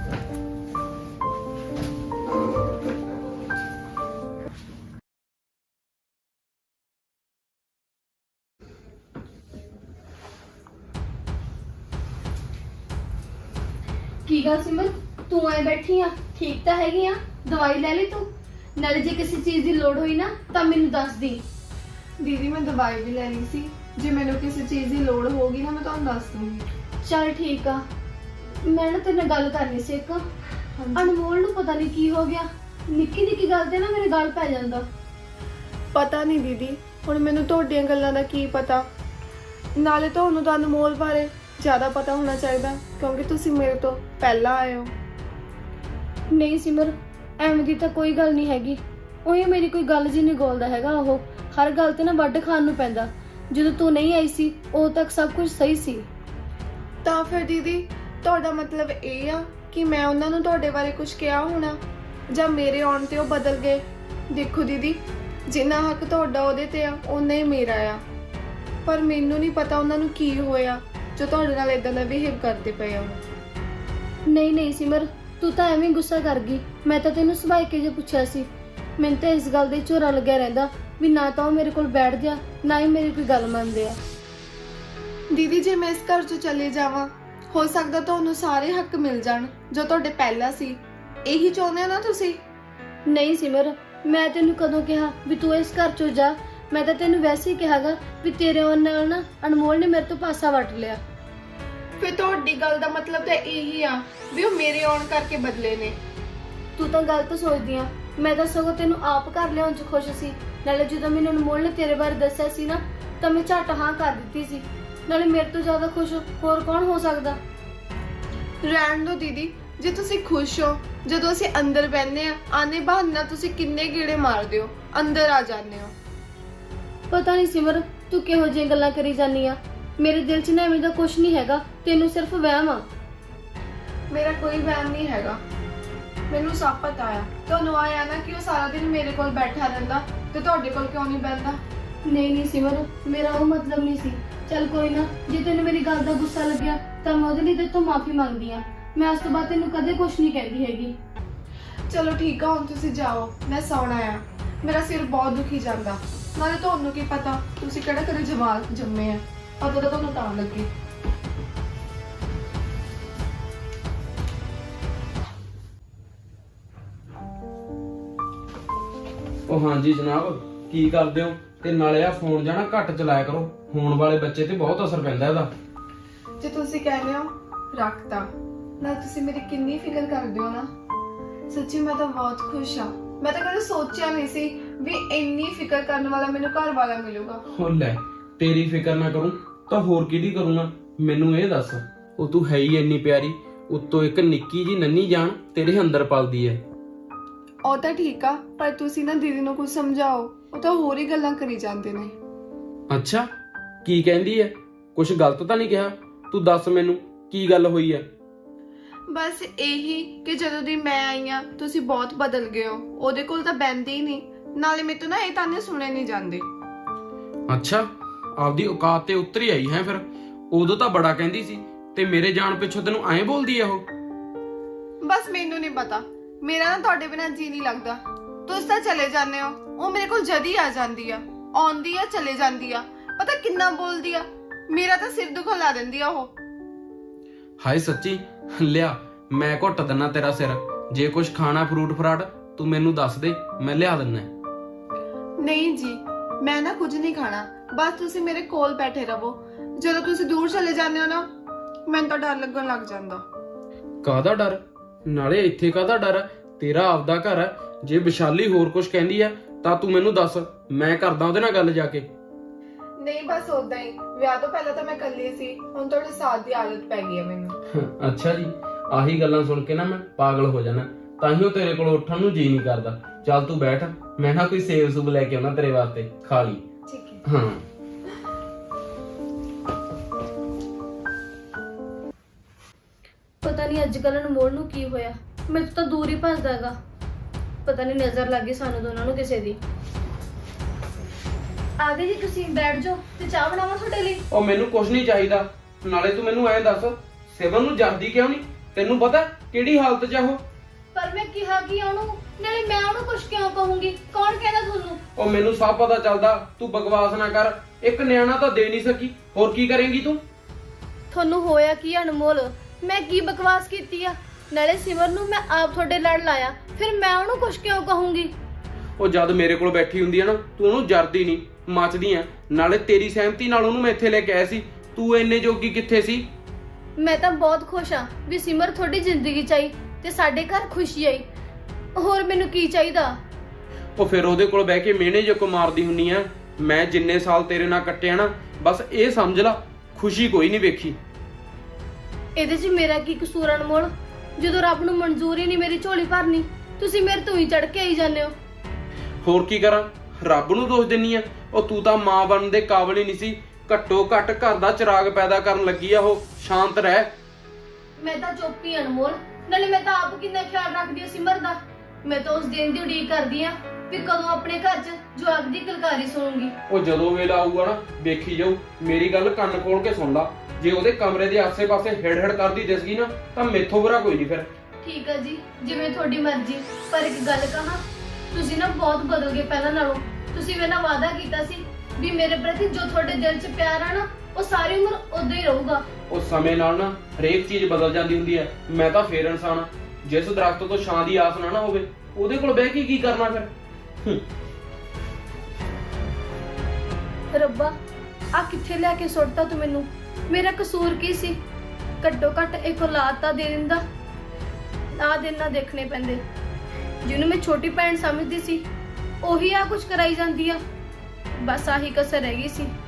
Speaker 5: ਕੀ ਗੱਲ ਸਿਮਰ, ਤੂੰ ਐ ਬੈਠੀ ਆ? ਠੀਕ ਤਾਂ ਹੈਗੀ ਆ? ਦਵਾਈ ਲੈ ਲਈ ਤੂੰ? ਨਾਲੇ ਜੇ ਕਿਸੇ ਚੀਜ਼ ਦੀ ਲੋੜ ਹੋਈ ਨਾ ਤਾਂ ਮੈਨੂੰ ਦੱਸ ਦੀ।
Speaker 4: ਦੀਦੀ ਮੈਂ ਦਵਾਈ ਵੀ ਲੈਣੀ ਸੀ, ਜੇ ਮੈਨੂੰ ਕਿਸੇ ਚੀਜ਼ ਦੀ ਲੋੜ ਹੋਗੀ ਨਾ ਮੈਂ ਤੁਹਾਨੂੰ ਦੱਸ ਦੂੰਗੀ।
Speaker 5: ਚਲ ਠੀਕ ਆ। ਮੈਂ ਨਾ ਤੇਰੇ ਨਾਲ ਗੱਲ ਕਰਨੀ ਸੀ ਇੱਕ। ਅਨਮੋਲ ਨੂੰ ਪਤਾ ਨਹੀਂ ਕੀ ਹੋ ਗਿਆ, ਨਿੱਕੀ ਨਿੱਕੀ ਗੱਲ ਤੇ ਨਾ ਮੇਰੇ ਗਲ ਪੈ ਜਾਂਦਾ।
Speaker 4: ਪਤਾ ਨਹੀਂ ਦੀਦੀ, ਹੁਣ ਮੈਨੂੰ ਤੁਹਾਡੀਆਂ ਗੱਲਾਂ ਦਾ ਕੀ ਪਤਾ। ਨਾਲੇ ਤੁਹਾਨੂੰ ਤਾਂ ਅਨਮੋਲ ਬਾਰੇ ਜ਼ਿਆਦਾ ਪਤਾ ਹੋਣਾ ਚਾਹੀਦਾ, ਕਿਉਂਕਿ ਤੁਸੀਂ ਮੇਰੇ ਤੋਂ ਪਹਿਲਾਂ ਆਏ ਹੋ।
Speaker 5: ਨਹੀਂ ਸਿਮਰ, ਐਵੇਂ ਦੀ ਤਾਂ ਕੋਈ ਗੱਲ ਨਹੀਂ ਹੈਗੀ। ਉਹੀ ਮੇਰੀ ਕੋਈ ਗੱਲ ਜੀ ਨਹੀਂ ਗੋਲਦਾ ਹੈਗਾ। ਉਹ ਹਰ ਗੱਲ ਤੇ ਨਾ ਵੱਢ ਖਾਣ ਨੂੰ ਪੈਂਦਾ। ਜਦੋਂ ਤੂੰ ਨਹੀਂ ਆਈ ਸੀ ਉਦੋਂ ਤੱਕ ਸਭ ਕੁਝ ਸਹੀ ਸੀ।
Speaker 4: ਤਾਂ ਫਿਰ ਦੀਦੀ ਤੁਹਾਡਾ ਮਤਲਬ ਇਹ ਆ ਕਿ ਮੈਂ ਉਹਨਾਂ ਨੂੰ ਤੁਹਾਡੇ ਬਾਰੇ ਕੁਝ ਕਿਹਾ ਹੋਣਾ, ਜਾਂ ਮੇਰੇ ਆਉਣ ਤੇ ਉਹ ਬਦਲ ਗਏ? ਦੇਖੋ ਦੀਦੀ, ਜਿੰਨਾ ਹੱਕ ਤੁਹਾਡਾ ਉਹਦੇ ਤੇ ਆ ਉਨਾ ਹੀ ਮੇਰਾ ਆ, ਪਰ ਮੈਨੂੰ ਨਹੀਂ ਪਤਾ ਉਹਨਾਂ ਨੂੰ ਕੀ ਹੋਇਆ ਜੋ ਤੁਹਾਡੇ ਨਾਲ ਇਦਾਂ ਦਾ ਬਿਹੇਵ ਕਰਦੇ ਪਏ ਆ।
Speaker 5: ਨਹੀਂ ਨਹੀਂ ਸਿਮਰ, ਤੂੰ ਤਾਂ ਐਵੇਂ ਗੁੱਸਾ ਕਰ ਗਈ। ਮੈਂ ਤਾਂ ਤੈਨੂੰ ਸੁਭਾਅ ਕੇ ਜੇ ਪੁੱਛਿਆ ਸੀ। ਮੈਨੂੰ ਤਾਂ ਇਸ ਗੱਲ ਦੇ ਝੋਰਾ ਲੱਗਿਆ ਰਹਿੰਦਾ ਵੀ ਨਾ ਤਾਂ ਉਹ ਮੇਰੇ ਕੋਲ ਬੈਠਦੇ ਆ, ਨਾ ਹੀ ਮੇਰੀ ਕੋਈ ਗੱਲ ਮੰਨਦੇ ਆ।
Speaker 4: ਦੀਦੀ ਜੇ ਮੈਂ ਇਸ ਘਰ ਚੋਂ ਚਲੇ ਜਾਵਾਂ, ਹੋ ਸਕਦਾ ਤੁਹਾਨੂੰ ਸਾਰੇ ਹੱਕ ਮਿਲ ਜਾਣ ਜੋ ਤੁਹਾਡੇ ਪਹਿਲਾਂ ਸੀ। ਇਹੀ ਚਾਹੁੰਦੇ ਹੋ ਨਾ ਤੁਸੀਂ?
Speaker 5: ਨਹੀਂ ਸਿਮਰ, ਮੈਂ ਤੈਨੂੰ ਕਦੋਂ ਕਿਹਾ ਵੀ ਤੂੰ ਇਸ ਘਰ ਚੋਂ ਜਾ? ਮੈਂ ਤਾਂ ਤੈਨੂੰ ਵੈਸੇ ਹੀ ਕਿਹਾਗਾ ਵੀ ਤੇਰੇ ਆਉਣ ਨਾਲ ਨਾ ਅਨਮੋਲ ਨੇ ਮੇਰੇ ਤੋਂ ਪਾਸਾ ਵੱਟ ਲਿਆ।
Speaker 4: ਫਿਰ ਤੁਹਾਡੀ ਗੱਲ ਦਾ ਮਤਲਬ ਤਾਂ ਇਹੀ ਆ ਵੀ ਉਹ ਮੇਰੇ ਆਉਣ ਕਰਕੇ ਬਦਲੇ ਨੇ।
Speaker 5: ਤੂੰ ਤਾਂ ਗਲਤ ਸੋਚਦੀ ਆ। ਮੈਂ ਤਾਂ ਸਗੋਂ ਤੈਨੂੰ ਆਪ ਘਰ ਲਿਆਉਣ 'ਚ ਖੁਸ਼ ਸੀ। ਨਾਲੇ ਜਦੋਂ ਮੈਨੂੰ ਅਨਮੋਲ ਨੇ ਤੇਰੇ ਬਾਰੇ ਦੱਸਿਆ ਸੀ ਨਾ ਤਾਂ ਮੈਂ ਝੱਟ ਹਾਂ ਕਰ ਦਿੱਤੀ ਸੀ। ਨਾਲੇ ਮੇਰੇ ਤੋਂ ਜ਼ਿਆਦਾ ਖੁਸ਼ ਹੋਰ ਕੌਣ ਹੋ ਸਕਦਾ?
Speaker 4: ਰਹਿਣ ਦਿਓ ਦੀਦੀ, ਜੇ ਤੁਸੀਂ ਖੁਸ਼ ਹੋ। ਜਦੋਂ ਅਸੀਂ ਅੰਦਰ ਬੈਠਨੇ ਆ, ਆਨੇ ਬਹਾਨਾ ਤੁਸੀਂ ਕਿੰਨੇ ਗੇੜੇ ਮਾਰਦੇ ਹੋ, ਅੰਦਰ ਆ ਜਾਂਦੇ ਹੋ।
Speaker 5: ਪਤਾ ਨਹੀਂ ਸਿਮਰ, ਤੂੰ ਕਿਹੋ ਜਿਹੀਆਂ ਗੱਲਾਂ ਕਰੀ ਜਾਂਦੀ ਆ। ਮੇਰੇ ਦਿਲ 'ਚ ਨਾ ਐਵੇਂ ਦਾ ਕੁਝ ਨਹੀਂ ਹੈਗਾ, ਤੈਨੂੰ ਸਿਰਫ ਵਹਿਮ ਆ।
Speaker 4: ਮੇਰਾ ਕੋਈ ਵਹਿਮ ਨਹੀਂ ਹੈਗਾ, ਮੈਨੂੰ ਸਭ ਪਤਾ ਆ। ਤੁਹਾਨੂੰ ਆਇਆ ਨਾ ਕਿ ਉਹ ਸਾਰਾ ਦਿਨ ਮੇਰੇ ਕੋਲ ਬੈਠਾ ਰਹਿੰਦਾ ਤੇ ਤੁਹਾਡੇ ਕੋਲ ਕਿਉਂ ਨਹੀਂ ਬੈਠਦਾ?
Speaker 5: ਨਹੀਂ ਨਹੀਂ ਸਿਮਰ, ਮੇਰਾ ਉਹ ਮਤਲਬ ਨਹੀਂ ਸੀ। ਚੱਲ ਕੋਈ ਨਾ, ਜੇ ਤੈਨੂੰ ਮੇਰੀ ਗੱਲ ਦਾ ਗੁੱਸਾ ਲੱਗਿਆ ਤਾਂ ਮੈਂ ਉਹਦੇ ਲਈ ਤੇਰੇ ਤੋਂ ਮਾਫੀ ਮੰਗਦੀ ਆ। ਮੈਂ ਉਸ ਤੋਂ ਬਾਅਦ ਤੈਨੂੰ ਕਦੇ ਕੁਝ ਨਹੀਂ ਕਹਿੰਦੀ ਹੈਗੀ।
Speaker 4: ਚਲੋ ਠੀਕ ਆ, ਹੁਣ ਤੁਸੀਂ ਜਾਓ, ਮੈਂ ਸੌਣਾ ਆ। ਮੇਰਾ ਸਿਰ ਬਹੁਤ ਦੁਖੀ ਜਾਂਦਾ। ਨਾਲੇ ਤੁਹਾਨੂੰ ਕੀ ਪਤਾ, ਤੁਸੀਂ ਕਿਹੜਾ ਕਦੇ ਜਵਾਕ ਜੰਮੇ ਆ, ਪਤਾ ਤਾਂ ਤੁਹਾਨੂੰ ਤਾਂ ਲੱਗੇ।
Speaker 3: ਉਹ ਹਾਂਜੀ ਜਨਾਬ, ਕੀ ਕਰਦੇ ਹੋ? ਤੇ ਨਾਲੇ ਆ ਫੋਨ ਜਾਣਾ ਘੱਟ ਚਲਾਇਆ ਕਰੋ, ਹੋਣ ਵਾਲੇ ਬੱਚੇ ਤੇ ਬਹੁਤ ਅਸਰ ਪੈਂਦਾ ਇਹਦਾ।
Speaker 4: ਜੇ ਤੁਸੀਂ ਕਹਿੰਦੇ ਹੋ ਰੱਖਤਾ, ਨਾ ਤੁਸੀਂ ਮੇਰੀ ਕਿੰਨੀ ਫਿਕਰ ਕਰਦੇ ਹੋ ਨਾ। ਸੱਚੀ ਮੈਂ ਤਾਂ ਬਹੁਤ ਖੁਸ਼ ਆ। ਮੈਂ ਤਾਂ ਕਦੇ ਸੋਚਿਆ ਨਹੀਂ ਸੀ ਵੀ ਇੰਨੀ ਫਿਕਰ ਕਰਨ ਵਾਲਾ ਮੈਨੂੰ ਘਰ ਵਾਲਾ ਮਿਲੂਗਾ।
Speaker 3: ਹੋ ਲੈ, ਤੇਰੀ ਫਿਕਰ ਨਾ ਕਰੂੰ ਤਾਂ ਹੋਰ ਕਿਹਦੀ ਕਰੂੰਗਾ? ਮੈਨੂੰ ਇਹ ਦੱਸ, ਉਹ ਤੂੰ ਹੈ ਹੀ ਇੰਨੀ ਪਿਆਰੀ, ਉੱਤੋਂ ਇੱਕ ਨਿੱਕੀ ਜੀ ਨੰਨੀ ਜਾਨ ਤੇਰੇ ਅੰਦਰ ਪਲਦੀ ਐ।
Speaker 4: ਉਹ ਤਾਂ ਠੀਕ ਆ, ਪਰ ਤੁਸੀਂ ਨਾ ਦੀਦੀ ਨੂੰ ਕੁਝ ਸਮਝਾਓ, ਉਹ ਤਾਂ ਹੋਰ ਹੀ ਗੱਲਾਂ ਕਰੀ ਜਾਂਦੇ ਨੇ।
Speaker 3: ਅੱਛਾ, ਕੀ ਕਹਿੰਦੀ ਐ? ਕੁਝ ਗਲਤ ਤਾਂ ਨਹੀਂ ਕਿਹਾ? ਤੂੰ ਦੱਸ ਮੈਨੂੰ, ਕੀ ਗੱਲ ਹੋਈ ਐ?
Speaker 4: ਬਸ ਇਹੀ ਕਿ ਜਦੋਂ ਦੀ ਮੈਂ ਆਈ ਆ ਤੁਸੀਂ ਬਹੁਤ ਬਦਲ ਗਏ ਹੋ। ਉਹਦੇ ਕੋਲ ਤਾਂ ਬੈਂਦੇ ਹੀ ਨਹੀਂ, ਨਾਲੇ ਮੇਰੇ ਤੋਂ ਨਾ ਇਹ ਤਾਨੇ ਸੁਣੇ ਨਹੀਂ ਜਾਂਦੇ।
Speaker 3: ਅੱਛਾ, ਆਪਦੀ ਔਕਾਤ ਤੇ ਉਤਰੀ ਆਈ ਹੈ ਫਿਰ। ਉਦੋਂ ਤਾਂ ਬੜਾ ਕਹਿੰਦੀ ਸੀ, ਤੇ ਮੇਰੇ ਜਾਣ ਪਿੱਛੋਂ ਤੈਨੂੰ ਐਂ ਬੋਲਦੀ ਐ ਉਹ?
Speaker 4: ਬਸ ਮੈਨੂੰ ਨਹੀਂ ਪਤਾ, ਮੇਰਾ ਨਾ ਤੁਹਾਡੇ ਬਿਨਾਂ ਜੀ ਨਹੀਂ ਲੱਗਦਾ। ਤੁਸੀਂ ਤਾਂ ਚਲੇ ਜਾਂਦੇ ਹੋ, ਉਹ ਮੇਰੇ ਕੋਲ ਜਦ ਹੀ ਆ ਜਾਂਦੀ ਆ, ਆਉਂਦੀ ਆ ਚਲੇ ਜਾਂਦੀ ਆ, ਪਤਾ ਕਿੰਨਾ ਬੋਲਦੀ ਆ। ਮੇਰਾ ਤਾਂ ਸਿਰ ਦੁਖਣ ਲਾ ਦਿੰਦੀ ਆ ਉਹ।
Speaker 3: ਹਾਏ ਸੱਚੀ, ਲਿਆ ਮੈਂ ਘੁੱਟ ਦਿੰਨਾ ਤੇਰਾ ਸਿਰ। ਜੇ ਕੁਝ ਖਾਣਾ ਫਰੂਟ ਫਰਾਟ ਤੂੰ ਮੈਨੂੰ ਦੱਸ ਦੇ, ਮੈਂ ਲਿਆ ਦਿੰਨਾ।
Speaker 4: ਨਹੀਂ ਜੀ, ਮੈਂ ਨਾ ਕੁਝ ਨਹੀਂ ਖਾਣਾ, ਬਸ ਤੁਸੀਂ ਮੇਰੇ ਕੋਲ ਬੈਠੇ ਰਹੋ। ਜਦੋਂ ਤੁਸੀਂ ਦੂਰ ਚਲੇ ਜਾਂਦੇ ਹੋ ਨਾ, ਮੈਨੂੰ ਤਾਂ ਡਰ ਲੱਗਣ ਲੱਗ ਜਾਂਦਾ।
Speaker 3: ਕਾਹਦਾ ਡਰ? ਨਾਲੇ ਇੱਥੇ ਕਾਹਦਾ ਡਰ ਹੈ? ਤੇਰਾ ਆਪਦਾ ਘਰ ਹੈ। ਜੇ ਵਿਸ਼ਾਲੀ ਹੋਰ ਕੁਝ ਕਹਿੰਦੀ ਹੈ ਤਾਂ ਤੂੰ ਮੈਨੂੰ ਦੱਸ, ਮੈਂ ਕਰਦਾ ਉਹਦੇ ਨਾਲ ਗੱਲ ਜਾ ਕੇ।
Speaker 4: ਨਹੀਂ ਬਸ ਉਦਾਂ ਹੀ, ਵਿਆਹ ਤੋਂ ਪਹਿਲਾਂ ਤਾਂ ਮੈਂ ਇਕੱਲੀ ਸੀ, ਹੁਣ ਤੁਹਾਡੇ ਸਾਥ ਦੀ ਆਦਤ ਪੈ ਗਈ ਹੈ ਮੈਨੂੰ।
Speaker 3: ਅੱਛਾ ਜੀ, ਆਹੀ ਗੱਲਾਂ ਸੁਣ ਕੇ ਨਾ ਮੈਂ ਪਾਗਲ ਹੋ ਜਾਣਾ, ਤਾਂ ਹੀ ਉਹ ਤੇਰੇ ਕੋਲ ਉੱਠਣ ਨੂੰ ਜੀ ਨਹੀਂ ਕਰਦਾ। ਚੱਲ ਤੂੰ ਬੈਠ, ਮੈਂ ਨਾ ਕੋਈ ਸੇਬ ਸੂਬ ਲੈ ਕੇ ਆਉਣਾ ਤੇਰੇ ਵਾਸਤੇ, ਖਾ ਲਈ।
Speaker 4: ਠੀਕ ਹੈ।
Speaker 3: ਹਾਂ।
Speaker 5: ਪਤਾ ਨਹੀਂ ਅੱਜ ਕੱਲ੍ਹ ਅਨਮੋਲ ਨੂੰ ਕੀ ਹੋਇਆ, ਮੇਰੇ ਤੋਂ ਤਾਂ ਦੂਰ ਹੀ ਭੱਜਦਾ ਹੈਗਾ। ਪਤਾ ਨਹੀਂ ਨਜ਼ਰ ਲੱਗ ਗਈ ਸਾਨੂੰ ਦੋਨਾਂ ਨੂੰ ਕਿਸੇ ਦੀ। ਆ ਗਏ ਜੀ, ਤੁਸੀਂ ਬੈਠ ਜਾਓ ਤੇ ਚਾਹ ਬਣਾਵਾਂ ਤੁਹਾਡੇ ਲਈ?
Speaker 3: ਉਹ ਮੈਨੂੰ ਕੁਝ ਨਹੀਂ ਚਾਹੀਦਾ। ਨਾਲੇ ਤੂੰ ਮੈਨੂੰ ਐਂ ਦੱਸ, ਸਿਵਨ ਨੂੰ ਜਰਦੀ ਕਿਉਂ ਨਹੀਂ? ਤੈਨੂੰ ਪਤਾ ਕਿਹੜੀ ਹਾਲਤ 'ਚ ਆ ਉਹ?
Speaker 5: ਪਰ ਮੈਂ ਕਿਹਾ ਕਿ ਉਹਨੂੰ, ਨਾਲੇ ਮੈਂ ਉਹਨੂੰ ਕੁਝ ਕਿਉਂ ਕਹੂੰਗੀ? ਕੌਣ ਕਹਿੰਦਾ ਤੁਹਾਨੂੰ?
Speaker 3: ਉਹ ਮੈਨੂੰ ਸਭ ਪਤਾ ਚੱਲਦਾ, ਤੂੰ ਬਕਵਾਸ ਨਾ ਕਰ। ਇੱਕ ਨਿਆਣਾ ਤਾਂ ਦੇ ਨਹੀਂ ਸਕੀ, ਹੋਰ ਕੀ ਕਰੇਂਗੀ ਤੂੰ?
Speaker 5: ਤੁਹਾਨੂੰ ਹੋਇਆ ਕੀ ਅਨਮੋਲ? ਮੈਂ ਕੀ ਬਕਵਾਸ ਕੀਤੀ ਆ? ਨਾਲੇ ਸਿਮਰ ਨੂੰ ਮੈਂ ਆਪ ਤੁਹਾਡੇ ਲੜ ਲਾਇਆ, ਫਿਰ ਮੈਂ ਉਹਨੂੰ ਕੁਝ ਕਿਉਂ ਕਹੂੰਗੀ?
Speaker 3: ਉਹ ਜਦ ਮੇਰੇ ਕੋਲ ਬੈਠੀ ਹੁੰਦੀ ਹੈ ਨਾ, ਤੂੰ ਉਹਨੂੰ ਜਰਦੀ ਨਹੀਂ, ਮੱਚਦੀ ਆ। ਨਾਲੇ ਤੇਰੀ ਸਹਿਮਤੀ ਨਾਲ ਉਹਨੂੰ ਮੈਂ ਇੱਥੇ ਲੈ ਕੇ ਆਇਆ ਸੀ, ਤੂੰ ਇੰਨੇ ਜੋਗੀ ਕਿੱਥੇ ਸੀ?
Speaker 5: ਮੈਂ ਤਾਂ ਬਹੁਤ ਖੁਸ਼ ਆ ਵੀ ਸਿਮਰ ਤੁਹਾਡੀ ਜ਼ਿੰਦਗੀ 'ਚ ਆਈ ਤੇ ਸਾਡੇ ਘਰ ਖੁਸ਼ੀ ਆਈ। ਹੋਰ ਮੈਨੂੰ ਕੀ ਚਾਹੀਦਾ?
Speaker 3: ਉਹ ਫਿਰ ਉਹਦੇ ਕੋਲ ਬਹਿ ਕੇ ਮਿਹਣੇ ਜੋ ਮਾਰਦੀ ਹੁੰਨੀ ਆ। ਮੈਂ ਜਿੰਨੇ ਸਾਲ ਤੇਰੇ ਨਾਲ ਕੱਟਿਆ ਨਾ, ਬਸ ਇਹ ਸਮਝ ਲਾ, ਖੁਸ਼ੀ ਕੋਈ ਨਹੀਂ ਵੇਖੀ।
Speaker 5: ਇਹਦੇ 'ਚ ਮੇਰਾ ਕੀ ਕਸੂਰ ਅਨਮੋਲ? ਜਦੋਂ ਰੱਬ ਨੂੰ ਮਨਜ਼ੂਰ ਹੀ ਨਹੀਂ ਮੇਰੀ ਝੋਲੀ ਭਰਨੀ, ਤੁਸੀਂ ਮੇਰੇ ਤੋਂ ਹੀ ਚੜ ਕੇ ਆਈ ਜਾਂਦੇ ਹੋ।
Speaker 3: ਹੋਰ ਕੀ ਕਰਾਂ? ਰੱਬ ਨੂੰ ਦੋਸ਼ ਦਿੰਨੀ ਆ? ਉਹ ਤੂੰ ਤਾਂ ਮਾਂ ਬਣਨ ਦੇ ਕਾਬਲ ਹੀ ਨਹੀਂ ਸੀ। ਘੱਟੋ ਘੱਟ ਘਰ ਦਾ ਚਿਰਾਗ ਪੈਦਾ ਕਰਨ ਲੱਗੀ ਆ ਉਹ। ਸ਼ਾਂਤ ਰਹਿ।
Speaker 5: ਮੈਂ ਤਾਂ ਚੁੱਪ ਹੀ ਅਨਮੋਲ। ਨਾਲੇ ਮੈਂ ਤਾਂ ਆਪ ਕਿੰਨਾ ਖਿਆਲ ਰੱਖਦੀ ਹਾਂ ਸਿਮਰ ਦਾ। ਮੈਂ ਤਾਂ ਉਸ ਦਿਨ ਦੀ ਉਡੀਕ ਕਰਦੀ ਆ ਵੀ ਕਦੋਂ ਆਪਣੇ ਘਰ 'ਚ ਜਵਾਕ ਦੀ ਕਿਲਕਾਰੀ ਸੁਣੂੰਗੀ।
Speaker 3: ਉਹ ਜਦੋਂ ਵੇਲਾ ਆਊਗਾ ਨਾ, ਵੇਖੀ ਜਾਊ। ਮੇਰੀ ਗੱਲ ਕੰਨ ਖੋਲ ਕੇ ਸੁਣ ਲਾ, ਜੇ ਉਹਦੇ ਕਮਰੇ ਦੇ ਆਸੇ-ਪਾਸੇ ਹਿੜ-ਹਿੜ ਕਰਦੀ ਦਿਸ ਗਈ ਨਾ, ਤਾਂ ਮੈਥੋਂ ਬੁਰਾ ਕੋਈ ਨਹੀਂ ਫਿਰ।
Speaker 5: ਠੀਕ ਆ ਜੀ, ਜਿਵੇਂ ਤੁਹਾਡੀ ਮਰਜ਼ੀ। ਪਰ ਇੱਕ ਗੱਲ ਕਹਾਂ, ਤੁਸੀਂ ਨਾ ਬਹੁਤ ਬਦਲ ਗਏ ਪਹਿਲਾਂ ਨਾਲੋਂ। ਤੁਸੀਂ ਮੇਰੇ ਨਾਲ ਵਾਅਦਾ ਕੀਤਾ ਸੀ ਵੀ ਮੇਰੇ ਪ੍ਰਤੀ ਜੋ ਤੁਹਾਡੇ ਦਿਲ 'ਚ ਪਿਆਰ ਆ ਨਾ, ਉਹ ਸਾਰੀ ਉਮਰ ਉਦਾਂ ਹੀ ਰਹੂਗਾ।
Speaker 3: ਉਹ ਸਮੇਂ ਨਾਲ ਨਾ ਹਰੇਕ ਚੀਜ਼ ਬਦਲ ਜਾਂਦੀ ਹੁੰਦੀ ਹੈ। ਮੈਂ ਤਾਂ ਫੇਰ ਇਨਸਾਨ ਆ। ਜਿਸ ਦਰਖਤ ਤੋਂ ਛਾਂ ਦੀ ਆਸ ਨਾ ਹੋਵੇ, ਉਹਦੇ ਕੋਲ ਬਹਿ ਕੇ ਕੀ ਕਰਨਾ ਫਿਰ?
Speaker 5: ਰੱਬਾ, ਆ ਕਿੱਥੇ ਲੈ ਕੇ ਸੁੱਟਤਾ ਤੂੰ ਮੈਨੂੰ? ਮੇਰਾ ਕਸੂਰ ਕੀ ਸੀ? ਘੱਟੋ ਘੱਟ ਇੱਕ ਔਲਾਦ ਤਾਂ ਦੇ ਦਿੰਦਾ। ਆ ਦਿਨ ਨਾ ਦੇਖਣੇ ਪੈਂਦੇ। ਜਿਹਨੂੰ ਮੈਂ ਛੋਟੀ ਭੈਣ ਸਮਝਦੀ ਸੀ, ਉਹੀ ਆ ਕੁਝ ਕਰਾਈ ਜਾਂਦੀ ਆ। ਬਸ ਆਹੀ ਕਸਰ ਰਹਿ ਗਈ ਸੀ।